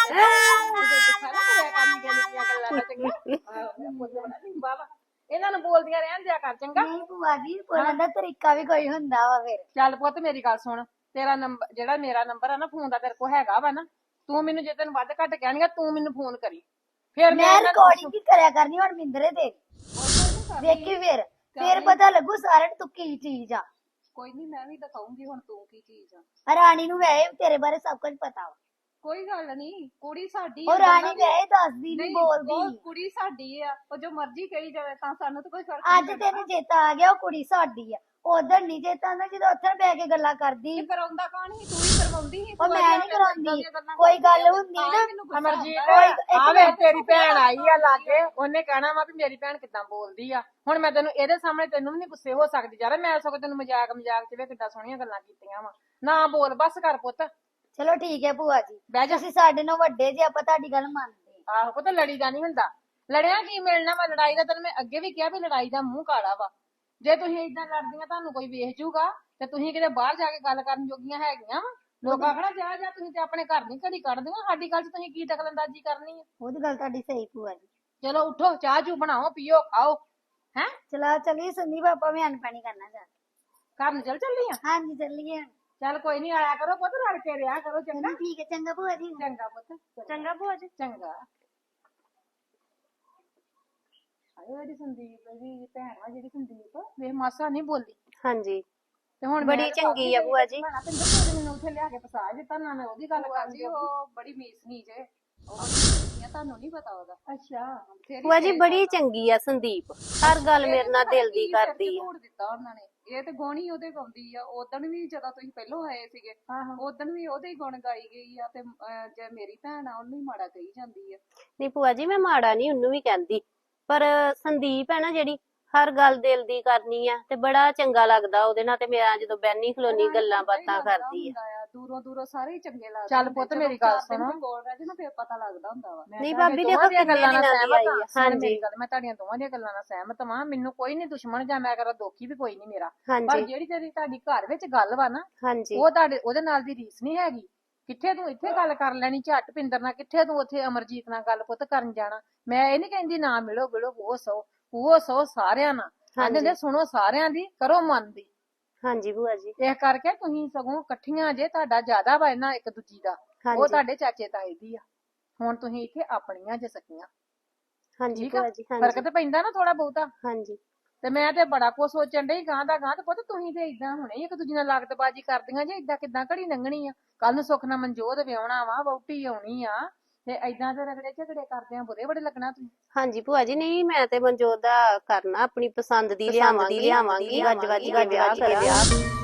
ਬਾਬਾ ਇਹਨਾਂ ਨੂੰ ਬੋਲਦੀਆਂ ਰਹਿਣ ਦਿਆ ਕਰ ਚੰਗਾ
ਨਹੀਂ ਭੂਆ ਜੀ ਬੋਲਣ ਦਾ ਤਰੀਕਾ ਵੀ ਕੋਈ ਹੁੰਦਾ ਵਾ ਫਿਰ
ਚੱਲ ਪੁੱਤ ਮੇਰੀ ਗੱਲ ਸੁਣ ਤੇਰਾ ਨੰਬਰ ਜਿਹੜਾ ਮੇਰਾ ਨੰਬਰ ਆ ਨਾ ਫੋਨ ਦਾ ਤੇਰੇ ਕੋਲ ਹੈਗਾ ਵਾ ਨਾ ਤੂੰ ਮੈਨੂੰ ਜੇ ਤੈਨੂੰ ਵੱਧ ਘੱਟ ਕਹਿਣੀਆਂ ਤੂੰ ਮੈਨੂੰ ਫੋਨ ਕਰੀ ਫਿਰ
ਮੈਂ
ਇਹਨਾਂ ਨੂੰ
ਰਿਕਾਰਡਿੰਗ ਕੀ ਕਰਿਆ ਕਰਨੀ ਹੁਣ ਮਿੰਦਰੇ ਦੇ ਵੇਖੀ ਫਿਰ ਫਿਰ ਪਤਾ ਲੱਗੂ ਸਾਰਿਆਂ ਨੂੰ ਤੂੰ ਕੀ ਚੀਜ਼ ਆ
ਕੋਈ ਨਹੀਂ ਮੈਂ ਵੀ ਦਿਖਾਉਂਗੀ ਹੁਣ ਤੂੰ ਕੀ ਚੀਜ਼ ਆ
ਰਾਣੀ ਨੂੰ ਵੈਸੇ ਵੀ ਤੇਰੇ ਬਾਰੇ ਸਭ ਕੁਝ ਪਤਾ ਵਾ
ਕੋਈ ਗੱਲ ਨਹੀਂ ਕੁੜੀ ਸਾਡੀ
ਉਹ
ਆ,
ਰਾਣੀ
ਦੋਨਾਂ ਦੀ-
ਵੈਸੇ ਦੱਸਦੀ ਨਹੀਂ
ਨਹੀਂ,
ਬੋਲਦੀ
ਉਹ ਕੁੜੀ ਸਾਡੀ ਆ ਉਹ ਜੋ ਮਰਜ਼ੀ ਕਹੀ ਜਾਵੇ ਤਾਂ ਸਾਨੂੰ ਤਾਂ ਕੋਈ ਫਰਕ
ਅੱਜ
ਨਹੀਂ
ਤੈਨੂੰ ਚੇਤਾ ਆ ਗਿਆ ਉਹ ਕੁੜੀ ਸਾਡੀ ਆ ਉਧਰ ਨਹੀਂ ਚੇਤਾ ਆਉਂਦਾ ਜਦੋਂ ਉੱਥੇ ਬਹਿ ਕੇ ਗੱਲਾਂ ਕਰਦੀ
ਤੇ ਕਰਾਉਂਦਾ ਕੌਣ ਸੀ ਤੂੰ ਹੀ ਕਰਵਾਉਂਦੀ ਸੀ
ਉਹ ਮੈਂ ਨਹੀਂ ਕਰਾਉਂਦੀ ਕੋਈ ਗੱਲ ਹੁੰਦੀ ਨਾ
ਅਮਰਜੀਤ
ਕੋਈ ਇੱਕ
ਆਵੇ ਤੇਰੀ ਭੈਣ ਆਈ ਆ ਲਾਗੇ ਉਹਨੇ ਕਹਿਣਾ ਵਾ ਵੀ ਮੇਰੀ ਭੈਣ ਕਿੱਦਾਂ ਬੋਲਦੀ ਆ ਹੁਣ ਮੈਂ ਤੈਨੂੰ ਇਹਦੇ ਸਾਹਮਣੇ ਤੈਨੂੰ ਵੀ ਨਹੀਂ ਗੁੱਸੇ ਹੋ ਸਕਦੀ ਯਾਰ ਮੈਂ ਸਗੋਂ ਤੈਨੂੰ ਮਜ਼ਾਕ ਮਜ਼ਾਕ ਚ ਵੀ ਕਿੱਦਾਂ ਸੋਹਣੀਆਂ ਗੱਲਾਂ ਕੀਤੀਆਂ ਵਾ ਨਾ ਬੋਲ ਬਸ ਕਰ ਪੁੱਤ
ਚਲੋ ਠੀਕ ਹੈ ਭੂਆ ਜੀ
ਬਹਿ ਜਾ
ਤੁਸੀਂ ਸਾਡੇ ਨਾਲ ਵੱਡੇ ਜੇ ਆਪਾਂ ਤੁਹਾਡੀ ਗੱਲ ਮੰਨਦੇ ਹਾਂ।
ਆਹੋ ਪੁੱਤ ਲੜੀ ਦਾ ਨਹੀਂ ਹੁੰਦਾ ਲੜਿਆ ਕੀ ਮਿਲਣਾ ਵਾ ਲੜਾਈ ਦਾ ਤੈਨੂੰ ਮੈਂ ਅੱਗੇ ਵੀ ਕਿਹਾ ਵੀ ਲੜਾਈ ਦਾ ਮੂੰਹ ਕਾਲਾ ਵਾ ਜੇ ਤੁਸੀਂ ਏਦਾਂ ਲੜਦੀਆਂ ਤੁਹਾਨੂੰ ਕੋਈ ਵੇਖ ਜੂਗਾ ਤੇ ਤੁਸੀਂ ਕਿਤੇ ਬਾਹਰ ਜਾ ਕੇ ਗੱਲ ਕਰਨ ਜੋਗੀਆਂ ਹੈਗੀਆਂ ਵਾ ਲੋਕ ਆਖਣਾ ਜਾ ਜਾ ਤੁਸੀਂ ਤੇ ਆਪਣੇ ਘਰ ਨਹੀਂ ਘੜੀ ਕੱਢਦੀਆਂ ਸਾਡੀ ਗੱਲ 'ਚ ਤੁਸੀਂ ਕੀ ਦਖਲਅੰਦਾਜ਼ੀ ਕਰਨੀ ਆ
ਉਹਦੀ ਗੱਲ ਤੁਹਾਡੀ ਸਹੀ ਭੂਆ ਜੀ
ਚਲੋ ਉਠੋ ਚਾਹ ਚੂ ਬਣਾਓ ਪੀਓ ਖਾਓ ਹੈ
ਚਲਾ ਚਲੀਏ ਸੰਦੀਪ ਆਪਾਂ ਵੀ ਅਨਪਾਣੀ ਕਰਨਾ ਜਾ
ਘਰ ਨੂੰ ਚੱਲ ਚੱਲੀ ਆ
ਹਾਂਜੀ ਚੱਲੀਏ ਹੁਣ।
ਚੱਲ ਕੋਈ ਨਹੀਂ ਆਇਆ ਕਰੋ ਪੁੱਤ ਰਲ ਕੇ ਰਿਹਾ ਕਰੋ ਚੰਗਾ
ਚਲੋ ਠੀਕ ਹੈ ਚੰਗਾ ਭੂਆ ਜੀ
ਚੰਗਾ ਪੁੱਤ ਚੰਗਾ ਭੂਆ ਜੀ ਚੰਗਾ ਆਏ ਜਿਹੜੀ ਸੰਦੀਪ ਦੀ ਭੈਣ ਵਾ ਜਿਹੜੀ ਸੰਦੀਪ ਵੇਖ ਮਾਸਾ ਨਹੀਂ ਬੋਲੀ
ਹਾਂਜੀ
ਤੇ ਹੁਣ
ਬੜੀ ਚੰਗੀ ਆ ਭੂਆ ਜੀ।
ਮੈਂ ਤੇ ਦੱਸੋ ਮੈਨੂੰ ਉੱਥੇ ਲਿਆ ਕੇ ਫਸਾ ਦਿੱਤਾ ਨਾ ਮੈਂ ਉਹਦੀ ਗੱਲ
ਭੂਆ
ਕਰਦੀ
ਜੀ ਉਹ ਬੜੀ ਮੀਸਨੀ ਜੇ ਉਹ ਬੜੀ ਮੀਸਨੀ ਆ, ਤੁਹਾਨੂੰ ਨਹੀਂ ਪਤਾ ਉਹਦਾ
ਅੱਛਾ
ਫੇਰ
ਭੂਆ ਜੀ ਬੜੀ ਚੰਗੀ ਆ ਸੰਦੀਪ ਹਰ ਗੱਲ ਮੇਰੇ ਨਾਲ ਦਿਲ ਦੀ ਕਰਦੀ ਆ
ਆ ਦਿੱਤਾ ਉਹਨਾਂ ਨੇ ਇਹ ਤੇ ਗੋਣੀ ਉਹਦੇ ਗਾਉਂਦੀ ਆ ਉਦਣ ਵੀ ਜਦੋਂ ਤੁਸੀਂ ਪਹਿਲੋਂ ਆਏ ਸੀਗੇ
ਆਹੋ
ਉਦਣ ਵੀ ਉਹਦੇ ਹੀ ਗੁਣ ਗਾਈ ਗਈ ਆ ਤੇ ਅਹ, ਜੇ ਮੇਰੀ ਭੈਣ ਆ ਉਹਨੂੰ ਹੀ ਮਾੜਾ ਕਹੀ ਜਾਂਦੀ ਆ
ਨਹੀਂ ਭੂਆ ਜੀ ਮੈਂ ਮਾੜਾ ਨਹੀਂ ਉਹਨੂੰ ਵੀ ਕਹਿੰਦੀ ਪਰ ਸੰਦੀਪ ਹੈ ਨਾ ਜਿਹੜੀ ਹਰ ਗੱਲ ਦਿਲ ਦੀ ਕਰਨੀ ਆ ਤੇ ਬੜਾ ਚੰਗਾ ਲੱਗਦਾ ਉਹਦੇ ਨਾਲ ਤੇ ਮੇਰਾ ਜਦੋਂ ਬੈਨੀ ਖਲੋਨੀ ਗੱਲਾਂ ਬਾਤਾਂ ਕਰਦੀ ਆ
ਦੂਰੋਂ ਦੂਰੋਂ ਸਾਰੇ ਹੀ ਚੰਗੇ ਲੱਗਦੇ
ਚੱਲ
ਹੁੰਦੇ,
ਪੁੱਤ
ਜਦੋਂ
ਮੇਰੀ ਗੱਲ
ਚਾਰ ਦਿਨ
ਸੁਣੋ।
ਕੋਈ ਕੋਲ ਰਹਿ ਜੇ ਨਾ ਫਿਰ ਪਤਾ ਲੱਗਦਾ ਹੁੰਦਾ ਵਾ
ਨਹੀਂ
ਤੁਹਾਡੇ
ਭਾਬੀ
ਦੋਵਾਂ
ਦੇਖੋ
ਦੀਆਂ
ਕਿੰਨੇ
ਗੱਲਾਂ ਨਾਲ
ਦਿਨਾਂ ਦੀ ਆਈ
ਸਹਿਮਤ
ਆ
ਹਾਂ।
ਹਾਂਜੀ
ਮੇਰੀ ਗੱਲ ਮੈਂ ਤੁਹਾਡੀਆਂ ਦੋਵਾਂ ਦੀਆਂ ਗੱਲਾਂ ਨਾਲ ਸਹਿਮਤ ਵਾਂ ਮੈਨੂੰ ਕੋਈ ਨਹੀਂ ਦੁਸ਼ਮਣ ਜਾਂ ਮੈਂ ਕਰਾਂ ਦੋਖੀ ਵੀ ਕੋਈ ਨਹੀਂ ਮੇਰਾ ਪਰ
ਹਾਂਜੀ
ਜਿਹੜੀ ਤੇਰੀ ਤੁਹਾਡੀ ਘਰ ਵਿੱਚ ਗੱਲ ਵਾ ਨਾ
ਹਾਂਜੀ
ਉਹ ਤੁਹਾਡੇ ਉਹਦੇ ਨਾਲ ਦੀ ਰੀਸ ਨਹੀਂ ਹੈਗੀ ਕਿੱਥੇ ਤੂੰ ਇੱਥੇ ਗੱਲ ਕਰ ਲੈਣੀ ਝੱਟ ਪਿੰਦਰ ਨਾਲ ਕਿੱਥੇ ਤੂੰ ਉੱਥੇ ਅਮਰਜੀਤ ਨਾਲ ਗੱਲ ਪੁੱਤ ਕਰਨ ਜਾਣਾ ਮੈਂ ਇਹ ਨਹੀਂ ਕਹਿੰਦੀ ਨਾ ਮਿਲੋ ਮਿਲੋ ਉਹ ਸੋ ਉਹ ਸੋ ਸਾਰਿਆਂ ਨਾਲ ਕਹਿੰਦੇ ਨੇ ਸੁਣੋ ਸਾਰਿਆਂ ਦੀ ਕਰੋ ਮਨ ਦੀ
ਹਾਂਜੀ ਭੂਆ ਜੀ
ਇਸ ਕਰਕੇ ਤੁਸੀਂ ਸਗੋਂ ਇਕੱਠੀਆਂ ਜੇ ਤੁਹਾਡਾ ਜ਼ਿਆਦਾ ਵਾ ਇਹਨਾਂ ਇੱਕ ਦੂਜੀ ਦਾ ਉਹ
ਹਾਂਜੀ
ਤੁਹਾਡੇ ਚਾਚੇ ਤਾਏ ਦੀ ਆ ਹੁਣ ਤੁਸੀਂ ਇੱਥੇ ਆਪਣੀਆਂ ਜੇ ਸਕੀਆਂ
ਹਾਂਜੀ
ਠੀਕ ਆ
ਭੂਆ ਜੀ
ਫਰਕ
ਹਾਂਜੀ
ਤੇ ਪੈਂਦਾ ਨਾ ਥੋੜਾ ਬਹੁਤਾ
ਹਾਂਜੀ
ਤੇ ਮੈਂ ਤੇ ਬੜਾ ਕੁਝ ਸੋਚਣ ਡਈ ਗਾਂ ਦਾ ਗਾਂ ਤੇ ਪੁੱਤ ਤੁਸੀਂ ਤੇ ਇਦਾਂ ਹੁਣੇ ਹੀ ਇੱਕ ਦੂਜੀ ਨਾਲ ਲਾਗਤਬਾਜ਼ੀ ਕਰਦੀਆਂ ਜੇ ਇਦਾਂ ਕਿਦਾਂ ਘੜੀ ਲੰਘਣੀ ਆ ਕੱਲ ਨੂੰ ਸੁੱਖ ਨਾਲ ਮਨਜੋਤ ਵਿਆਹਣਾ ਵਾ ਵਹੁਟੀ ਆਉਣੀ ਆ ਤੇ ਇਦਾਂ ਦੇ ਰਗੜੇ ਝਗੜੇ ਕਰਦੇ ਆ ਬੁਰੇ ਬੜੇ ਲੱਗਣਾ ਤੁਸੀਂ
ਹਾਂਜੀ ਭੂਆ ਜੀ ਨਹੀਂ ਮੈਂ ਤੇ ਮਨਜੋਤ ਦਾ ਕਰਨਾ ਆਪਣੀ ਪਸੰਦ ਦੀ ਲਿਆਵਾਂਗੀ ਲਿਆਵਾਂਗੀ ਗੱਜ ਵੱਜ ਕੇ ਵਿਆਹ ਕਰਾਂਗੇ